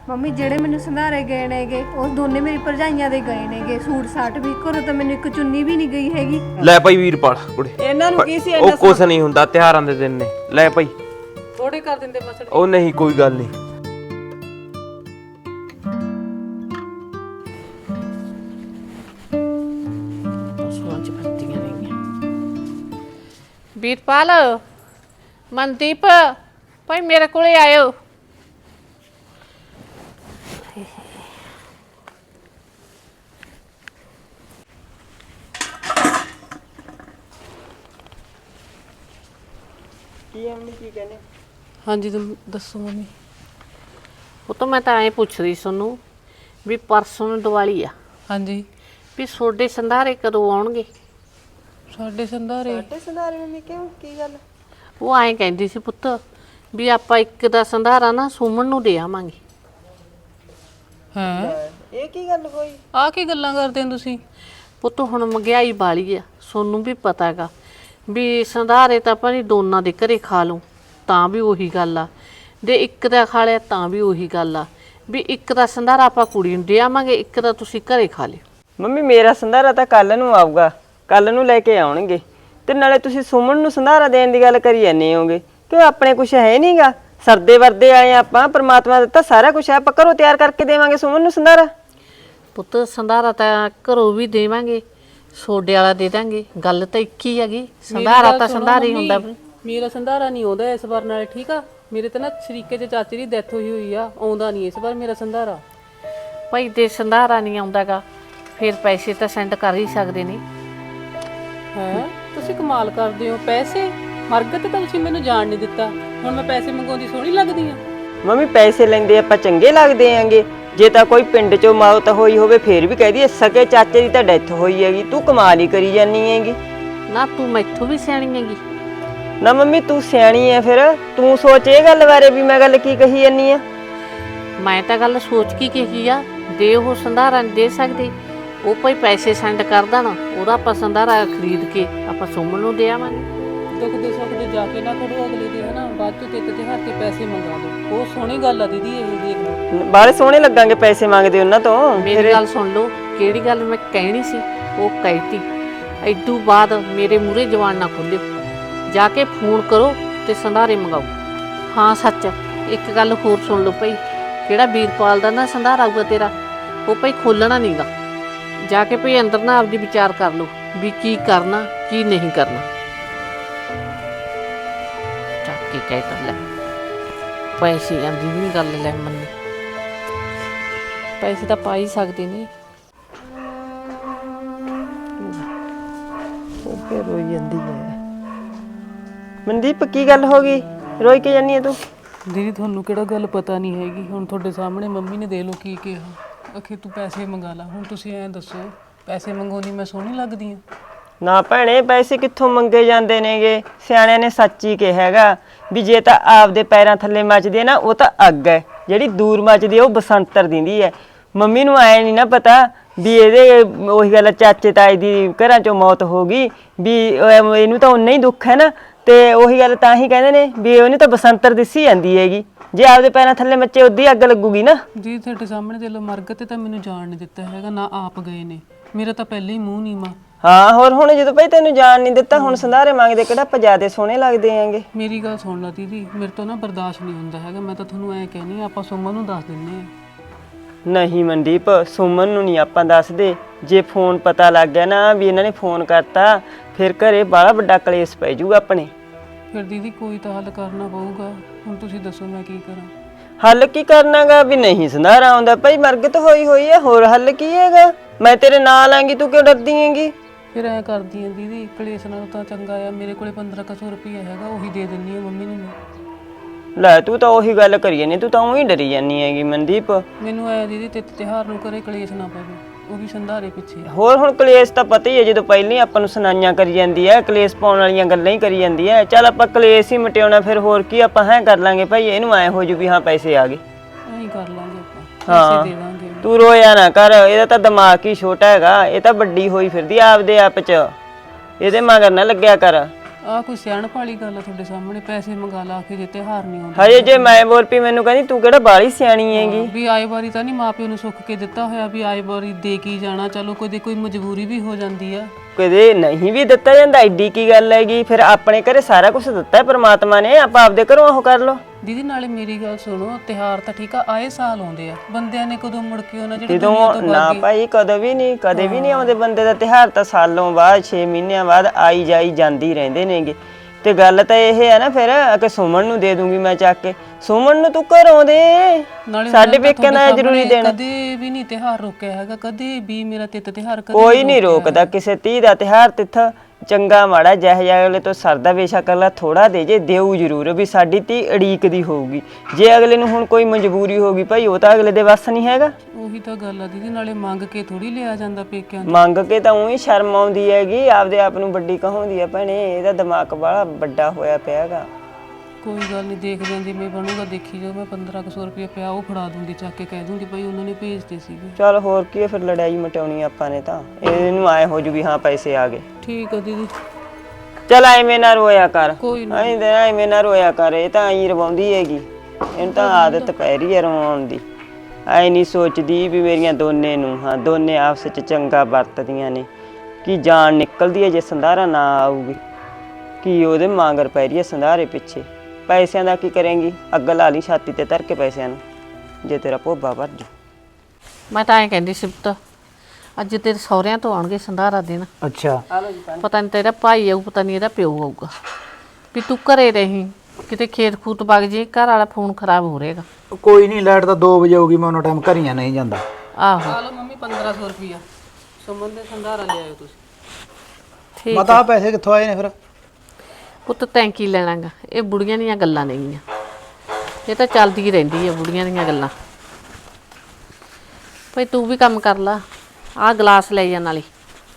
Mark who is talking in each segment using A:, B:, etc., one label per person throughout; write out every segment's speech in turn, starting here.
A: Mummy ਜਿਹੜੇ ਮੈਨੂੰ ਸੰਧਾਰੇ ਗਏ ਨੇਗੇ ਉਹ ਦੋਨੇ ਮੇਰੀ ਭਰਜਾਈਆਂ ਦੇ ਗਏ ਨੇਗੇ। ਸੂਟ ਸਾਟ ਵੀ ਘਰੋਂ ਤਾਂ ਮੈਨੂੰ ਇੱਕ ਚੁੰਨੀ ਵੀ ਨਹੀਂ ਗਈ ਹੈਗੀ।
B: ਲੈ ਭਾਈ ਵੀਰਪਾਲ ਕੁੜੇ
C: ਇਹਨਾਂ ਨੂੰ ਕੀ ਸੀ
B: ਉਹ ਕੁਛ ਨਹੀਂ ਹੁੰਦਾ, ਤਿਉਹਾਰਾਂ ਦੇ ਦਿਨ ਨੇ। ਲੈ ਭਾਈ
C: ਥੋੜੇ ਕਰ ਦਿੰਦੇ ਮਸੜ।
B: ਉਹ ਨਹੀਂ ਕੋਈ ਗੱਲ ਨਹੀਂ।
D: ਵੀਰਪਾਲ, ਮਨਦੀਪ ਭਾਈ ਮੇਰੇ ਕੋਲੇ ਆਇਓ।
C: ਕੀ ਅੰਮੀ ਕੀ ਕਹਿੰਦੇ?
D: ਹਾਂਜੀ ਤੁਮ ਦੱਸੋ ਮੰਮੀ। ਉਹ ਤਾਂ ਮੈਂ ਤਾਂ ਐਂ ਪੁੱਛ ਰਹੀ ਤੁਹਾਨੂੰ ਵੀ ਪਰਸੋਂ ਨੂੰ ਦੀਵਾਲੀ ਆ,
C: ਹਾਂਜੀ
D: ਵੀ ਤੁਹਾਡੇ ਸੰਧਾਰੇ ਕਦੋਂ ਆਉਣਗੇ?
C: ਸਾਡੇ ਸੰਧਾਰੇ ਮੰਮੀ ਕਿਉਂ ਕੀ ਗੱਲ?
D: ਉਹ ਐਂ ਕਹਿੰਦੀ ਸੀ ਪੁੱਤ ਵੀ ਆਪਾਂ ਇੱਕ ਦਾ ਸੰਧਾਰਾ ਨਾ ਸੁਮਨ ਨੂੰ ਦੇ ਆਵਾਂਗੇ।
C: ਹੈ ਇਹ ਕੀ ਗੱਲ ਹੋਈ? ਆ ਕੀ ਗੱਲਾਂ ਕਰਦੇ ਹੋ ਤੁਸੀਂ?
D: ਪੁੱਤ ਹੁਣ ਮਹਿੰਗਾਈ ਵਾਲੀ ਆ, ਸੋਨੂੰ ਵੀ ਪਤਾ ਹੈਗਾ ਵੀ ਸੰਧਾਰੇ ਤਾਂ ਆਪਾਂ ਦੋਨਾਂ ਦੇ ਘਰੇ ਖਾ ਲਓ ਤਾਂ ਵੀ ਉਹੀ ਗੱਲ ਆ, ਦੇ ਇੱਕ ਦਾ ਖਾ ਲਿਆ ਤਾਂ ਵੀ ਉਹੀ ਗੱਲ ਆ, ਵੀ ਇੱਕ ਦਾ ਸੰਧਾਰਾ ਆਪਾਂ ਕੁੜੀ ਨੂੰ ਦੇ ਆਵਾਂਗੇ, ਇੱਕ ਦਾ ਤੁਸੀਂ ਘਰੇ ਖਾ ਲਿਓ।
E: ਮੰਮੀ ਮੇਰਾ ਸੰਧਾਰਾ ਤਾਂ ਕੱਲ ਨੂੰ ਆਊਗਾ, ਕੱਲ ਨੂੰ ਲੈ ਕੇ ਆਉਣਗੇ। ਤੇ ਨਾਲੇ ਤੁਸੀਂ ਸੁਮਨ ਨੂੰ ਸੰਧਾਰਾ ਦੇਣ ਦੀ ਗੱਲ ਕਰੀ ਜਾਂਦੇ ਹੋਗੇ ਕਿ ਆਪਣੇ ਕੁਛ ਹੈ ਨਹੀਂਗਾ। ਸਰਦੇ ਵਰਦੇ ਆਏ ਆਪਾਂ, ਪ੍ਰਮਾਤਮਾ ਦਿੱਤਾ ਸਾਰਾ ਕੁਝ ਹੈ, ਆਪਾਂ ਘਰੋਂ ਤਿਆਰ ਕਰਕੇ ਦੇਵਾਂਗੇ ਸੁਮਨ ਨੂੰ ਸੰਧਾਰਾ।
D: ਪੁੱਤ ਸੰਧਾਰਾ ਤਾਂ ਘਰੋਂ ਵੀ ਦੇਵਾਂਗੇ, ਸੋਡੇ ਵਾਲਾ ਦੇ ਦਾਂਗੇ, ਗੱਲ ਤਾਂ ਇੱਕ ਹੀ ਹੈਗੀ। ਸੰਧਾਰਾ ਤਾਂ ਸੰਧਾਰਾ ਹੀ ਹੁੰਦਾ।
C: ਮੇਰਾ ਸੰਧਾਰਾ ਨਹੀਂ ਆਉਂਦਾ ਇਸ ਵਾਰ ਨਾਲੇ, ਠੀਕ ਆ? ਮੇਰੇ ਤਾਂ ਨਾ ਸ਼ਰੀਕੇ ਚ ਚਾਚੇ ਦੀ ਡੈਥ ਹੋਈ ਆ, ਆਉਂਦਾ ਨਹੀਂ ਇਸ ਵਾਰ ਮੇਰਾ ਸੰਧਾਰਾ।
D: ਭਾਈ ਦੇ ਸੰਧਾਰਾ ਨਹੀਂ ਆਉਂਦਾਗਾ ਫਿਰ ਪੈਸੇ ਤਾਂ ਸੈਂਡ ਕਰ ਹੀ ਸਕਦੇ ਨੇ।
C: ਹੈ ਤੁਸੀਂ ਕਮਾਲ ਕਰਦੇ ਹੋ। ਪੈਸੇ ਮਰਗਤ ਤਾਂ ਤੁਸੀਂ ਮੈਨੂੰ ਜਾਣ ਨਹੀਂ ਦਿੱਤਾ, ਹੁਣ ਮੈਂ ਪੈਸੇ ਮੰਗਾਉਂਦੀ ਸੋਹਣੀ ਲੱਗਦੀ ਆ?
E: ਮੰਮੀ ਪੈਸੇ ਲੈਂਦੇ ਆਪਾਂ ਚੰਗੇ ਲੱਗਦੇ ਆਂਗੇ? ਜੇ ਤਾਂ ਕੋਈ ਪਿੰਡ ਚੋਂ ਮੌਤ ਹੋਈ ਹੋਵੇ ਫੇਰ ਵੀ ਕਹਿ ਦਈਏ ਸਕੇ ਚਾਚੇ ਦੀ ਤਾਂ ਡੈਥ ਹੋਈ ਹੈਗੀ। ਤੂੰ ਕਮਾਲ ਹੀ ਕਰੀ ਜਾਨੀ ਹੈਗੀ।
D: ਨਾ ਤੂੰ ਮੈਥੋਂ ਵੀ ਸਿਆਣੀ ਹੈਗੀ।
E: ਨਾ ਮੰਮੀ ਤੂੰ ਸਿਆਣੀ ਐ, ਫਿਰ ਤੂੰ ਸੋਚ ਇਹ ਗੱਲ ਬਾਰੇ ਵੀ ਮੈਂ ਗੱਲ ਕੀ ਕਹੀ ਜਾਨੀ ਆ।
D: ਮੈਂ ਤਾਂ ਗੱਲ ਸੋਚ ਕੇ ਕਹੀ ਆ, ਦੇ ਉਹ ਸੰਧਾਰਾ ਨਹੀਂ ਦੇ ਸਕਦੇ, ਉਹ ਭਾਈ ਪੈਸੇ ਸੈਂਡ ਕਰ ਦੇਣ, ਉਹਦਾ ਆਪਾਂ ਸੰਧਾਰਾ ਖਰੀਦ ਕੇ ਆਪਾਂ ਸੁਮਨ ਨੂੰ ਦੇ ਆਵਾਂਗੇ।
C: ਦੁੱਖ ਦੇ ਸੁੱਖ ਦੇ ਜਾ ਕੇ ਨਾ ਕਰੋ ਅਗਲੇ ਦੇ, ਹਨਾ? ਬਾਅਦ ਚੋਂ ਤੇ ਹੱਥ ਤੇ ਪੈਸੇ ਮੰਗਾ ਲਓ। ਉਹ ਸੋਹਣੀ ਗੱਲ ਆ ਦੀਦੀ, ਇਹ ਦੇਖ ਲਓ।
E: ਬਾਹਲੇ ਸੋਹਣੇ ਲੱਗਾਂਗੇ ਪੈਸੇ ਮੰਗਦੇ ਉਹਨਾਂ ਤੋਂ।
D: ਮੇਰੀ ਗੱਲ ਸੁਣ ਲਓ, ਕਿਹੜੀ ਗੱਲ ਮੈਂ ਕਹਿਣੀ ਸੀ ਉਹ ਕਹਿਤੀ। ਇਦੋਂ ਬਾਅਦ ਮੇਰੇ ਮੂਹਰੇ ਜਵਾਨ ਨਾ ਖੋਲਿਓ, ਜਾ ਕੇ ਫੋਨ ਕਰੋ ਤੇ ਸੰਧਾਰੇ ਮੰਗਾਓ। ਹਾਂ ਸੱਚ, ਇੱਕ ਗੱਲ ਹੋਰ ਸੁਣ ਲਓ ਭਾਈ, ਕਿਹੜਾ ਵੀਰਪਾਲ ਦਾ ਨਾ ਸੰਧਾਰਾ ਆਊਗਾ ਤੇਰਾ, ਉਹ ਭਾਈ ਖੋਲਣਾ ਨਹੀਂਗਾ। ਜਾ ਕੇ ਭਾਈ ਅੰਦਰ ਨਾ ਆਪਦੀ ਵਿਚਾਰ ਕਰ ਲਓ ਵੀ ਕੀ ਕਰਨਾ ਕੀ ਨਹੀਂ ਕਰਨਾ। ਚੱਕ ਕੇ ਕਹਿ ਤਾ ਲੈ ਪੈਸੇ ਆਂਦੀ ਵੀ ਗੱਲ ਲੈ ਮੰਨੀ, ਪੈਸੇ ਤਾਂ ਪਾ ਹੀ ਸਕਦੇ ਨੇ।
E: ਉਹ ਫੇਰ ਰੋਈ ਜਾਂਦੀ ਹੈ। ਮਨਦੀਪ ਕੀ ਗੱਲ ਹੋ ਗਈ, ਰੋਈ ਕੇ ਜਾਨੀ ਹੈ ਤੂੰ?
C: ਦੀਦੀ ਤੁਹਾਨੂੰ ਕਿਹੜਾ ਗੱਲ ਪਤਾ ਨਹੀਂ ਹੈਗੀ? ਹੁਣ ਤੁਹਾਡੇ ਸਾਹਮਣੇ ਮੰਮੀ ਨੇ ਦੇ ਲੋ ਕੀ ਕਿਹਾ, ਅਖੇ ਤੂੰ ਪੈਸੇ ਮੰਗਾ ਲਾ। ਹੁਣ ਤੁਸੀਂ ਐਂ ਦੱਸੋ, ਪੈਸੇ ਮੰਗਾਉਂਦੀ ਮੈਂ ਸੋਹਣੀ ਲੱਗਦੀ ਆ?
E: ਨਾ ਭੈਣੇ, ਪੈਸੇ ਕਿੱਥੋਂ ਮੰਗੇ ਜਾਂਦੇ ਨੇਗੇ? ਸਿਆਣਿਆਂ ਨੇ ਸੱਚ ਹੀ ਕਿਹਾ ਹੈਗਾ ਵੀ ਜੇ ਤਾਂ ਆਪਦੇ ਪੈਰਾਂ ਥੱਲੇ ਮੱਚਦੀ ਹੈ ਨਾ ਉਹ ਤਾਂ ਅੱਗ ਹੈ, ਜਿਹੜੀ ਦੂਰ ਮੱਚਦੀ ਹੈ ਉਹ ਬਸੰਤਰ ਦਿੰਦੀ ਹੈ। ਮੰਮੀ ਨੂੰ ਐ ਨਹੀਂ ਨਾ ਪਤਾ ਵੀ ਇਹਦੇ ਉਹੀ ਗੱਲ ਚਾਚੇ ਤਾਏ ਦੀ ਘਰਾਂ ਚੋਂ ਮੌਤ ਹੋ ਗਈ, ਵੀ ਇਹਨੂੰ ਤਾਂ ਉਨਾ ਹੀ ਦੁੱਖ ਹੈ ਨਾ। ਤੇ ਉਹੀ ਗੱਲ ਤਾਂ ਹੀ ਕਹਿੰਦੇ ਨੇ ਵੀ ਉਹਨੂੰ ਤਾਂ ਬਸੰਤਰ ਦਿਸੀ ਜਾਂਦੀ ਹੈਗੀ, ਜੇ ਆਪਦੇ ਪੈਰਾਂ ਥੱਲੇ ਮੱਚੇ ਉਦੀ ਅੱਗ ਲੱਗੂਗੀ ਨਾ।
C: ਜੀ ਤੁਹਾਡੇ ਸਾਹਮਣੇ ਦੇ ਲੋ, ਮਰਗਤ ਤੇ ਤਾਂ ਮੈਨੂੰ ਜਾਣ ਨਹੀਂ ਦਿੱਤਾ ਹੈਗਾ, ਨਾ ਆਪ ਗਏ ਨੇ। ਮੇਰਾ ਤਾਂ ਪਹਿਲੇ ਹੀ ਮੂੰਹ ਨੀਵਾਂ।
E: ਹਾਂ ਹੋਰ ਹੁਣ ਜਦੋਂ ਭਾਈ ਤੈਨੂੰ ਜਾਣ ਨਹੀਂ ਦਿੱਤਾ, ਹੁਣ ਸੰਧਾਰੇ ਮੰਗਦੇ ਕਿਹੜਾ ਆਪਾਂ ਜ਼ਿਆਦੇ ਸੋਹਣੇ ਲੱਗਦੇ ਆਂਗੇ।
C: ਮੇਰੀ ਗੱਲ ਸੁਣ ਲਾ ਦੀਦੀ, ਮੇਰੇ ਤੋਂ ਨਾ ਬਰਦਾਸ਼ਤ ਨਹੀਂ ਹੁੰਦਾ ਹੈਗਾ। ਮੈਂ ਤਾਂ ਤੁਹਾਨੂੰ ਐਂ ਕਹਿਨੀ ਆ, ਆਪਾਂ ਸੁਮਨ ਨੂੰ ਦੱਸ ਦਿੰਨੇ ਆ।
E: ਨਹੀਂ ਮਨਦੀਪ, ਸੁਮਨ ਨੂੰ ਨਹੀਂ ਆਪਾਂ ਦੱਸਦੇ। ਜੇ ਫੋਨ ਪਤਾ ਲੱਗ ਗਿਆ ਨਾ ਵੀ ਇਹਨਾਂ ਨੇ ਫੋਨ ਕਰਤਾ, ਫਿਰ ਘਰੇ ਬੜਾ ਵੱਡਾ ਕਲੇਸ਼ ਪੈ ਜਾਊਗਾ ਆਪਣੇ।
C: ਫਿਰ ਦੀਦੀ ਕੋਈ ਤਾਂ ਹੱਲ ਕਰਨਾ ਪਊਗਾ। ਹੁਣ ਤੁਸੀਂ ਦੱਸੋ ਮੈਂ ਕੀ ਕਰਾਂ?
E: ਹੱਲ ਕੀ ਕਰਨਾਗਾ ਵੀ ਨਹੀਂ ਸੰਧਾਰਾ ਆਉਂਦਾ ਭਾਈ, ਮਰਗਤ ਹੋਈ ਹੋਈ ਹੈ, ਹੋਰ ਹੱਲ ਕੀ ਹੈਗਾ? ਮੈਂ ਤੇਰੇ ਨਾਲ ਆਂਗੀ, ਤੂੰ ਕਿਉਂ ਡਰਦੀ ਹੈਗੀ?
C: ਫਿਰ ਐਂ ਕਰਦੀ ਆ ਦੀਦੀ, ਕਲੇਸ਼ ਨਾਲੋਂ ਤਾਂ ਚੰਗਾ ਆ ਮੇਰੇ ਕੋਲੇ 1500 ਰੁਪਇਆ ਹੈਗਾ, ਉਹੀ ਦੇ ਦਿੰਨੀ ਆ ਮੰਮੀ ਨੂੰ ਮੈਂ।
E: ਲੈ ਤੂੰ ਤਾਂ ਉਹੀ ਗੱਲ ਕਰੀ ਜਾਨੀ, ਤੂੰ ਤਾਂ ਉਹੀ ਡਰੀ ਜਾਨੀ ਹੈਗੀ ਮਨਦੀਪ।
C: ਮੈਨੂੰ ਐ ਦੀਦੀ ਤੇ ਤਿਉਹਾਰ ਨੂੰ ਕਰੇ ਕਲੇਸ਼ ਨਾ ਪਵੇ, ਉਹ ਵੀ ਸੰਧਾਰੇ ਪਿੱਛੇ।
E: ਹੋਰ ਹੁਣ ਕਲੇਸ਼ ਤਾਂ ਪਤਾ ਹੀ ਹੈ, ਜਦੋਂ ਪਹਿਲਾਂ ਹੀ ਆਪਾਂ ਨੂੰ ਸੁਣਾਈਆਂ ਕਰੀ ਜਾਂਦੀ ਹੈ, ਕਲੇਸ਼ ਪਾਉਣ ਵਾਲੀਆਂ ਗੱਲਾਂ ਹੀ ਕਰੀ ਜਾਂਦੀ ਹੈ। ਚੱਲ ਆਪਾਂ ਕਲੇਸ਼ ਹੀ ਮਟਿਆਉਣਾ, ਫਿਰ ਹੋਰ ਕੀ ਆਪਾਂ ਹੈ ਕਰ ਲਾਂਗੇ ਭਾਈ, ਇਹਨੂੰ ਐ ਹੋ ਜੂ ਵੀ ਹਾਂ ਪੈਸੇ ਆ ਗਏ।
C: ਐਂ ਹੀ ਕਰ ਲਾਂਗੇ ਆਪਾਂ, ਪੈਸੇ ਦੇ ਦਾਂਗੇ।
E: ਤੂੰ ਰੋਇਆ ਨਾ ਕਰ, ਇਹਦਾ ਤਾਂ ਦਿਮਾਗ ਹੀ ਛੋਟਾ ਹੈਗਾ, ਇਹ ਤਾਂ ਵੱਡੀ ਹੋਈ ਫਿਰਦੀ ਆਪਦੇ ਆਪ ਚ, ਇਹਦੇ ਮਗਰ ਨਾ ਲੱਗਿਆ ਕਰ।
C: ਆ ਕੋਈ ਸਿਆਣਪ ਵਾਲੀ ਗੱਲ ਆ ਤੁਹਾਡੇ ਸਾਹਮਣੇ, ਪੈਸੇ ਮੰਗਾ ਲਾ ਕੇ ਜੇ ਤਿਉਹਾਰ ਨਹੀਂ ਆਉਂਦਾ।
E: ਹਜੇ ਜੇ ਮੈਂ ਬੋਲ ਪਈ ਮੈਨੂੰ ਕਹਿੰਦੀ ਤੂੰ ਕਿਹੜਾ ਬਾਹਲੀ ਸਿਆਣੀ ਹੈਗੀ।
C: ਵੀ ਆਏ ਵਾਰੀ ਤਾਂ ਨਹੀਂ ਮਾਪਿਓ ਨੂੰ ਸੁੱਖ ਕੇ ਦਿੱਤਾ ਹੋਇਆ ਵੀ ਆਏ ਵਾਰੀ ਦੇ ਕੇ ਹੀ ਜਾਣਾ, ਚਲੋ ਕਦੇ ਕੋਈ ਮਜਬੂਰੀ ਵੀ ਹੋ ਜਾਂਦੀ ਆ।
E: ਕਦੇ ਨਹੀਂ ਵੀ ਦਿੱਤਾ ਜਾਂਦਾ, ਐਡੀ ਕੀ ਗੱਲ ਹੈਗੀ। ਫਿਰ ਆਪਣੇ ਘਰੇ ਸਾਰਾ ਕੁਝ ਦਿੱਤਾ ਹੈ ਪ੍ਰਮਾਤਮਾ ਨੇ, ਆਪਾਂ ਆਪਦੇ ਘਰੋਂ ਉਹ ਕਰ ਲਓ।
C: ਦੀਦੀ ਨਾਲੇ ਮੇਰੀ ਗੱਲ ਸੁਣੋ, ਤਿਉਹਾਰ ਤਾਂ ਠੀਕ ਆ ਆਏ ਸਾਲ ਆਉਂਦੇ ਆ, ਬੰਦਿਆਂ ਨੇ ਕਦੋਂ ਮੁੜ ਕੇ ਉਹਨਾਂ ਜਿਹੜੇ
E: ਜਦੋਂ
C: ਦੁਨੀਆ ਤੋਂ
E: ਨਾ ਭਾਈ ਕਦੇ ਵੀ ਨਹੀਂ ਆਉਂਦੇ ਬੰਦੇ ਦਾ ਤਿਉਹਾਰ, ਤਾਂ ਸਾਲੋਂ ਬਾਅਦ 6 ਮਹੀਨਿਆਂ ਬਾਅਦ ਆਈ ਜਾਈ ਜਾਂਦੀ ਰਹਿੰਦੇ ਨੇਗੇ। ਤੇ ਗੱਲ ਤਾਂ ਇਹ ਹੈ ਨਾ ਫਿਰ ਕਿ ਸੁਮਨ ਨੂੰ ਦੇ ਦੂੰਗੀ ਮੈਂ ਚੱਕ ਕੇ, ਸੁਮਨ ਨੂੰ ਤੂੰ ਘਰੋਂ ਦੇ,
C: ਨਾਲੇ
E: ਸਾਡੇ ਪੇਕਿਆਂ ਦਾ ਜ਼ਰੂਰੀ ਦੇਣਾ।
C: ਕਦੇ ਵੀ ਨਹੀਂ ਤਿਉਹਾਰ ਰੋਕਿਆ ਹੈਗਾ, ਕਦੇ ਵੀ ਮੇਰਾ ਤਿਉਹਾਰ ਕਦੇ
E: ਕੋਈ ਨਹੀਂ ਰੋਕਦਾ ਕਿਸੇ ਧੀ ਦਾ ਤਿਉਹਾਰ। ਤਿੱਥ ਚੰਗਾ ਮਾੜਾ ਜਿਹੋ ਜਿਹਾ ਅਗਲੇ ਤੋਂ ਸਰਦਾ ਬੇਸ਼ੱਕ ਅਗਲਾ ਥੋੜਾ ਦੇ ਜੇ, ਦੇਊ ਜ਼ਰੂਰ ਵੀ ਸਾਡੀ ਧੀ ਉਡੀਕਦੀ ਹੋਊਗੀ। ਜੇ ਅਗਲੇ ਨੂੰ ਹੁਣ ਕੋਈ ਮਜਬੂਰੀ ਹੋਗੀ ਭਾਈ, ਉਹ ਤਾਂ ਅਗਲੇ ਦੇ ਵੱਸ ਨਹੀਂ ਹੈਗਾ।
C: ਉਹੀ ਤਾਂ ਗੱਲ ਆ ਦੀਦੀ, ਨਾਲੇ ਮੰਗ ਕੇ ਥੋੜੀ ਲਿਆ ਜਾਂਦਾ ਪੇਕਿਆਂ ਤੋਂ।
E: ਮੰਗ ਕੇ ਤਾਂ ਉਹੀ ਸ਼ਰਮ ਆਉਂਦੀ ਹੈਗੀ, ਆਪਦੇ ਆਪ ਨੂੰ ਵੱਡੀ ਕਹਾਉਂਦੀ ਹੈ ਭੈਣੇ। ਇਹਦਾ ਦਿਮਾਗ ਬੜਾ ਵੱਡਾ ਹੋਇਆ ਪਿਆ ਹੈਗਾ।
C: ਕੋਈ ਗੱਲ ਨਹੀਂ, ਦੇਖ ਜਾਂਦੀ ਮੈਂ ਬਣੂਗਾ, ਦੇਖੀ ਜਾਓ। ਮੈਂ 1500 ਰੁਪਏ ਪਿਆ ਉਹ ਫੜਾ ਦੂੰਗੀ, ਚੱਕ ਕੇ ਕਹਿ ਦੂੰਗੀ ਭਾਈ ਉਹਨਾਂ ਨੇ ਭੇਜਦੇ ਸੀਗੇ।
E: ਚੱਲ ਹੋਰ ਕੀ ਹੈ, ਫਿਰ ਲੜਾਈ ਮਟਾਉਣੀ ਆਪਾਂ ਨੇ ਤਾਂ। ਇਹਨੂੰ ਆਏ ਹੋ ਜੂ ਵੀ ਹਾਂ ਪੈਸੇ ਆ ਗਏ।
C: ਠੀਕ ਆ ਦੀਦੀ।
E: ਚੱਲ ਐਵੇਂ ਨਾ ਰੋਇਆ ਕਰ,
C: ਕੋਈ
E: ਐਵੇਂ ਨਾ ਰੋਇਆ ਕਰ। ਇਹ ਤਾਂ ਐਂ ਰਵਾਉਂਦੀ ਹੈਗੀ, ਇਹਨੂੰ ਤਾਂ ਆਦਤ ਪੈ ਰਹੀ ਹੈ ਰਵਾਉਣ ਦੀ। ਐ ਨਹੀਂ ਸੋਚਦੀ ਵੀ ਮੇਰੀਆਂ ਦੋਨੇ ਨੂੰ ਹਾਂ ਦੋਨੇ ਆਪਸ ਵਿੱਚ ਚੰਗਾ ਵਰਤਦੀਆਂ ਨੇ। ਕੀ ਜਾਨ ਨਿਕਲਦੀ ਹੈ ਜੇ ਸੰਧਾਰਾ ਨਾ ਆਊਗੀ, ਕੀ ਉਹਦੇ ਮਾਂਗਰ ਪੈ ਰਹੀ ਹੈ ਸੰਧਾਰੇ ਪਿੱਛੇ। ਪੈਸਿਆਂ ਦਾ ਕੀ ਕਰੇਂਗੀ, ਅੱਗ ਲਾ ਲਈ ਛਾਤੀ ਤੇ ਧਰ ਕੇ ਪੈਸਿਆਂ ਨੂੰ, ਜੇ ਤੇਰਾ ਭੋਬਾ ਭਰ ਜੂ।
D: ਮੈਂ ਤਾਂ ਐਂ ਕਹਿੰਦੀ ਸਿਫਤ, ਅੱਜ ਤੇਰੇ ਸਹੁਰਿਆਂ ਤੋਂ ਆਉਣਗੇ ਸੰਧਾਰਾ ਦੇਣ।
F: ਅੱਛਾ,
D: ਪਤਾ ਨਹੀਂ ਤੇਰਾ ਭਾਈ ਆਊ, ਪਤਾ ਨਹੀਂ ਇਹਦਾ ਪਿਓ ਆਊਗਾ। ਵੀ ਤੂੰ ਘਰੇ ਰਹੀਂ, ਕਿਤੇ ਖੇਤ ਖੂਤ ਵਗ ਜੇ, ਘਰ ਵਾਲਾ ਫੋਨ ਖਰਾਬ ਹੋ ਰਹੇਗਾ।
F: ਕੋਈ ਨਹੀਂ, ਲਾਈਟ ਤਾਂ 2 ਵਜੇ ਆਊਗੀ, ਮੈਂ ਉਹਨਾਂ ਟਾਈਮ ਘਰੀਆਂ ਨਹੀਂ ਜਾਂਦਾ।
D: ਆਹੋ
C: ਆ ਲਓ ਮੰਮੀ 1500 ਰੁਪਿਆ ਸੁਮਨ ਦੇ ਸੰਧਾਰਾ ਲਿਆਇਓ ਤੁਸੀਂ।
D: ਠੀਕ
F: ਮਤਾ ਪੈਸੇ ਕਿੱਥੋਂ ਆਏ ਨੇ ਫਿਰ?
D: ਪੁੱਤ ਤੈਂ ਕੀ ਲੈਣਾਗਾ, ਇਹ ਬੁੜੀਆਂ ਦੀਆਂ ਗੱਲਾਂ ਨੇਗੀਆਂ, ਇਹ ਤਾਂ ਚੱਲਦੀ ਰਹਿੰਦੀ ਹੈ ਬੁੜੀਆਂ ਦੀਆਂ ਗੱਲਾਂ। ਭਾਈ ਤੂੰ ਵੀ ਕੰਮ ਕਰ ਲਾ, ਆਹ ਗਲਾਸ ਲੈ ਜਾ ਨਾਲੇ।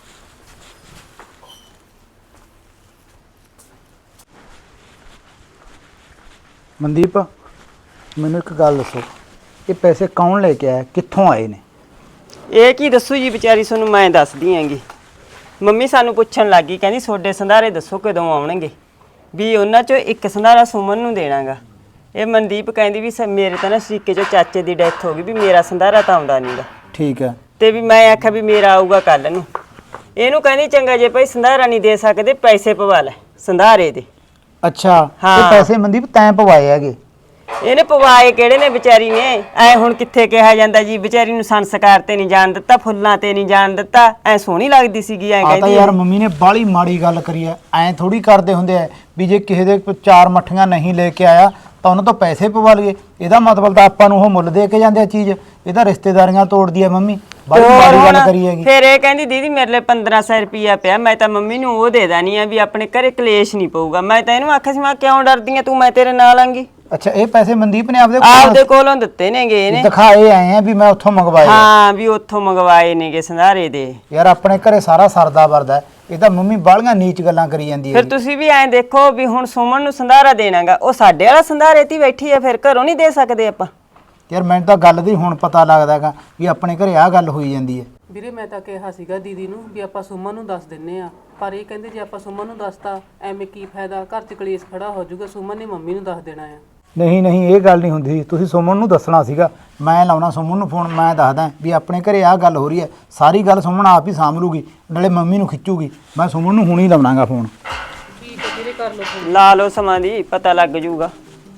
F: ਮਨਦੀਪ, ਮੈਨੂੰ ਇੱਕ ਗੱਲ ਦੱਸੋ, ਇਹ ਪੈਸੇ ਕੌਣ ਲੈ ਕੇ ਆਇਆ, ਕਿੱਥੋਂ ਆਏ ਨੇ?
E: ਇਹ ਕੀ ਦੱਸੂ ਜੀ ਵਿਚਾਰੀ, ਤੁਹਾਨੂੰ ਮੈਂ ਦੱਸਦੀ ਆਂਗੀ। ਮੰਮੀ ਸਾਨੂੰ ਪੁੱਛਣ ਲੱਗੀ, ਕਹਿੰਦੀ ਤੁਹਾਡੇ ਸੰਧਾਰੇ ਦੱਸੋ ਕਦੋਂ ਆਉਣਗੇ, ਵੀ ਉਹਨਾਂ ਚੋਂ ਇੱਕ ਸੰਧਾਰਾ ਸੁਮਨ ਨੂੰ ਦੇਣਾਗਾ। ਇਹ ਮਨਦੀਪ ਕਹਿੰਦੀ ਵੀ ਮੇਰੇ ਤਾਂ ਨਾ ਸ਼ਰੀਕੇ ਚੋਂ ਚਾਚੇ ਦੀ ਡੈਥ ਹੋ ਗਈ, ਵੀ ਮੇਰਾ ਸੰਧਾਰਾ ਤਾਂ ਆਉਂਦਾ ਨਹੀਂਗਾ।
F: ਠੀਕ ਹੈ।
E: ਤੇ ਵੀ ਮੈਂ ਆਖਿਆ ਵੀ ਮੇਰਾ ਆਊਗਾ ਕੱਲ ਨੂੰ। ਇਹਨੂੰ ਕਹਿੰਦੀ ਚੰਗਾ ਜੇ ਭਾਈ ਸੰਧਾਰਾ ਨਹੀਂ ਦੇ ਸਕਦੇ, ਪੈਸੇ ਪਵਾ ਲੈ ਸੰਧਾਰੇ ਦੇ।
F: ਅੱਛਾ,
E: ਹਾਂ।
F: ਇਹ ਪੈਸੇ ਮਨਦੀਪ ਤੈਂ ਪਵਾਏ ਹੈਗੇ?
E: ਇਹਨੇ ਪਵਾਏ ਕਿਹੜੇ ਨੇ ਵਿਚਾਰੀ ਨੇ, ਐ ਹੁਣ ਕਿੱਥੇ ਕਿਹਾ ਜਾਂਦਾ ਜੀ, ਵਿਚਾਰੀ ਨੂੰ ਸੰਸਕਾਰ ਤੇ ਨਹੀਂ ਜਾਣ ਦਿੱਤਾ, ਫੁੱਲਾਂ ਤੇ ਨਹੀਂ ਜਾਣ ਦਿੱਤਾ। ਐ ਸੋਹਣੀ ਲੱਗਦੀ ਸੀਗੀ, ਐ
F: ਆ ਤਾਂ
E: ਕਹਿੰਦੀ
F: ਯਾਰ ਮੰਮੀ ਨੇ ਬਾਹਲੀ ਮਾੜੀ ਗੱਲ ਕਰੀ ਐ। ਐਂ ਥੋੜੀ ਕਰਦੇ ਹੁੰਦੇ ਐ ਵੀ ਜੇ ਕਿਸੇ ਦੇ 4 ਮੱਠੀਆਂ ਨਹੀਂ ਲੈ ਕੇ ਆਇਆ ਤਾਂ ਉਹਨਾਂ ਤੋਂ ਪੈਸੇ ਪਵਾ ਲਈਏ। ਇਹਦਾ ਮਤਲਬ ਤਾਂ ਆਪਾਂ ਨੂੰ ਉਹ ਮੁੱਲ ਦੇ ਕੇ ਜਾਂਦੇ ਆ ਚੀਜ਼, ਇਹ ਤਾਂ ਰਿਸ਼ਤੇਦਾਰੀਆਂ ਤੋੜਦੀ ਐ ਮੰਮੀ। ਬਾਹਲੀ ਮਾੜੀ ਗੱਲ ਕਰੀ ਹੈਗੀ।
E: ਫਿਰ ਇਹ ਕਹਿੰਦੀ ਦੀਦੀ ਮੇਰੇ ਲਈ 1500 ਰੁਪਿਆ ਪਿਆ, ਮੈਂ ਤਾਂ ਮੰਮੀ ਨੂੰ ਉਹ ਦੇ ਦੇਣੀ ਆ ਵੀ ਆਪਣੇ ਘਰੇ ਕਲੇਸ਼ ਨਹੀਂ ਪਊਗਾ। ਮੈਂ ਤਾਂ ਇਹਨੂੰ ਆਖਿਆ ਸੀ ਮੈਂ ਕਿਉਂ ਡਰਦੀ ਆ ਤੂੰ, ਮੈਂ ਤੇਰੇ ਨਾਲ ਆਂਗੀ।
F: ਅੱਛਾ, ਇਹ ਪੈਸੇ ਮਨਦੀਪ ਨੇ
E: ਆਪਦੇ ਕੋਲੋਂ ਦਿੱਤੇ ਨੇਗੇ ਇਹਨੇ,
F: ਦਿਖਾਏ ਆਏ ਆ ਵੀ ਮੈਂ ਉੱਥੋਂ ਮੰਗਵਾਏ।
E: ਹਾਂ ਵੀ ਉੱਥੋਂ ਮੰਗਵਾਏ ਨੇਗੇ ਸੰਧਾਰੇ ਦੇ।
F: ਯਾਰ ਆਪਣੇ ਘਰੇ ਸਾਰਾ ਸਰਦਾ ਵਰਦਾ, ਇਹ ਤਾਂ ਮੰਮੀ ਬਾਹਲੀਆਂ ਨੀਚ ਗੱਲਾਂ ਕਰੀ ਜਾਂਦੀ ਹੈ।
E: ਫਿਰ ਤੁਸੀਂ ਵੀ ਐਂ ਦੇਖੋ ਵੀ ਹੁਣ ਸੁਮਨ ਨੂੰ ਸੰਧਾਰਾ ਦੇਣਾਗਾ, ਉਹ ਸਾਡੇ ਵਾਲਾ ਸੰਧਾਰੇ ਤੇ ਬੈਠੀ ਆ, ਫਿਰ ਘਰੋਂ ਨਹੀਂ ਦੇ ਸਕਦੇ ਆਪਾਂ।
F: ਯਾਰ ਮੈਨੂੰ ਤਾਂ ਗੱਲ ਦੀ ਹੁਣ ਪਤਾ ਲੱਗਦਾ ਹੈਗਾ ਵੀ ਆਪਣੇ ਘਰੇ ਆਹ ਗੱਲ ਹੋਈ ਜਾਂਦੀ ਹੈ।
C: ਵੀਰੇ ਮੈਂ ਤਾਂ ਕਿਹਾ ਸੀਗਾ ਦੀਦੀ ਨੂੰ ਵੀ ਆਪਾਂ ਸੁਮਨ ਨੂੰ ਦੱਸ ਦਿੰਨੇ ਆ, ਪਰ ਇਹ ਕਹਿੰਦੇ ਜੇ ਆਪਾਂ ਸੁਮਨ ਨੂੰ ਦੱਸਤਾ ਐਵੇਂ ਕੀ ਫਾਇਦਾ, ਘਰ 'ਚ ਕਲੇਸ਼ ਖੜਾ ਹੋ ਜਾਊਗਾ। ਸੁਮਨ ਨੇ ਮੰਮੀ ਨੂੰ ਦੱਸ ਦੇਣਾ ਆ।
F: ਨਹੀਂ ਨਹੀਂ, ਇਹ ਗੱਲ ਨਹੀਂ ਹੁੰਦੀ, ਤੁਸੀਂ ਸੁਮਨ ਨੂੰ ਦੱਸਣਾ ਸੀਗਾ। ਮੈਂ ਲਾਉਣਾ ਸੁਮਨ ਨੂੰ ਫੋਨ, ਮੈਂ ਦੱਸਦਾ ਵੀ ਆਪਣੇ ਘਰੇ ਆਹ ਗੱਲ ਹੋ ਰਹੀ ਹੈ। ਸਾਰੀ ਗੱਲ ਸੁਮਨ ਆਪ ਹੀ ਸਾਂਭ ਲੂਗੀ, ਨਾਲੇ ਮੰਮੀ ਨੂੰ ਖਿੱਚੂਗੀ। ਮੈਂ ਸੁਮਨ ਨੂੰ ਹੁਣੀ ਲਾਉਣਾਗਾ ਫੋਨ।
C: ਠੀਕ ਹੈ ਵੀਰੇ, ਕਰ ਲਓ ਫੋਨ।
E: ਲਾ ਲਓ ਸਮਾਂ ਦੀ, ਪਤਾ ਲੱਗ ਜੂਗਾ।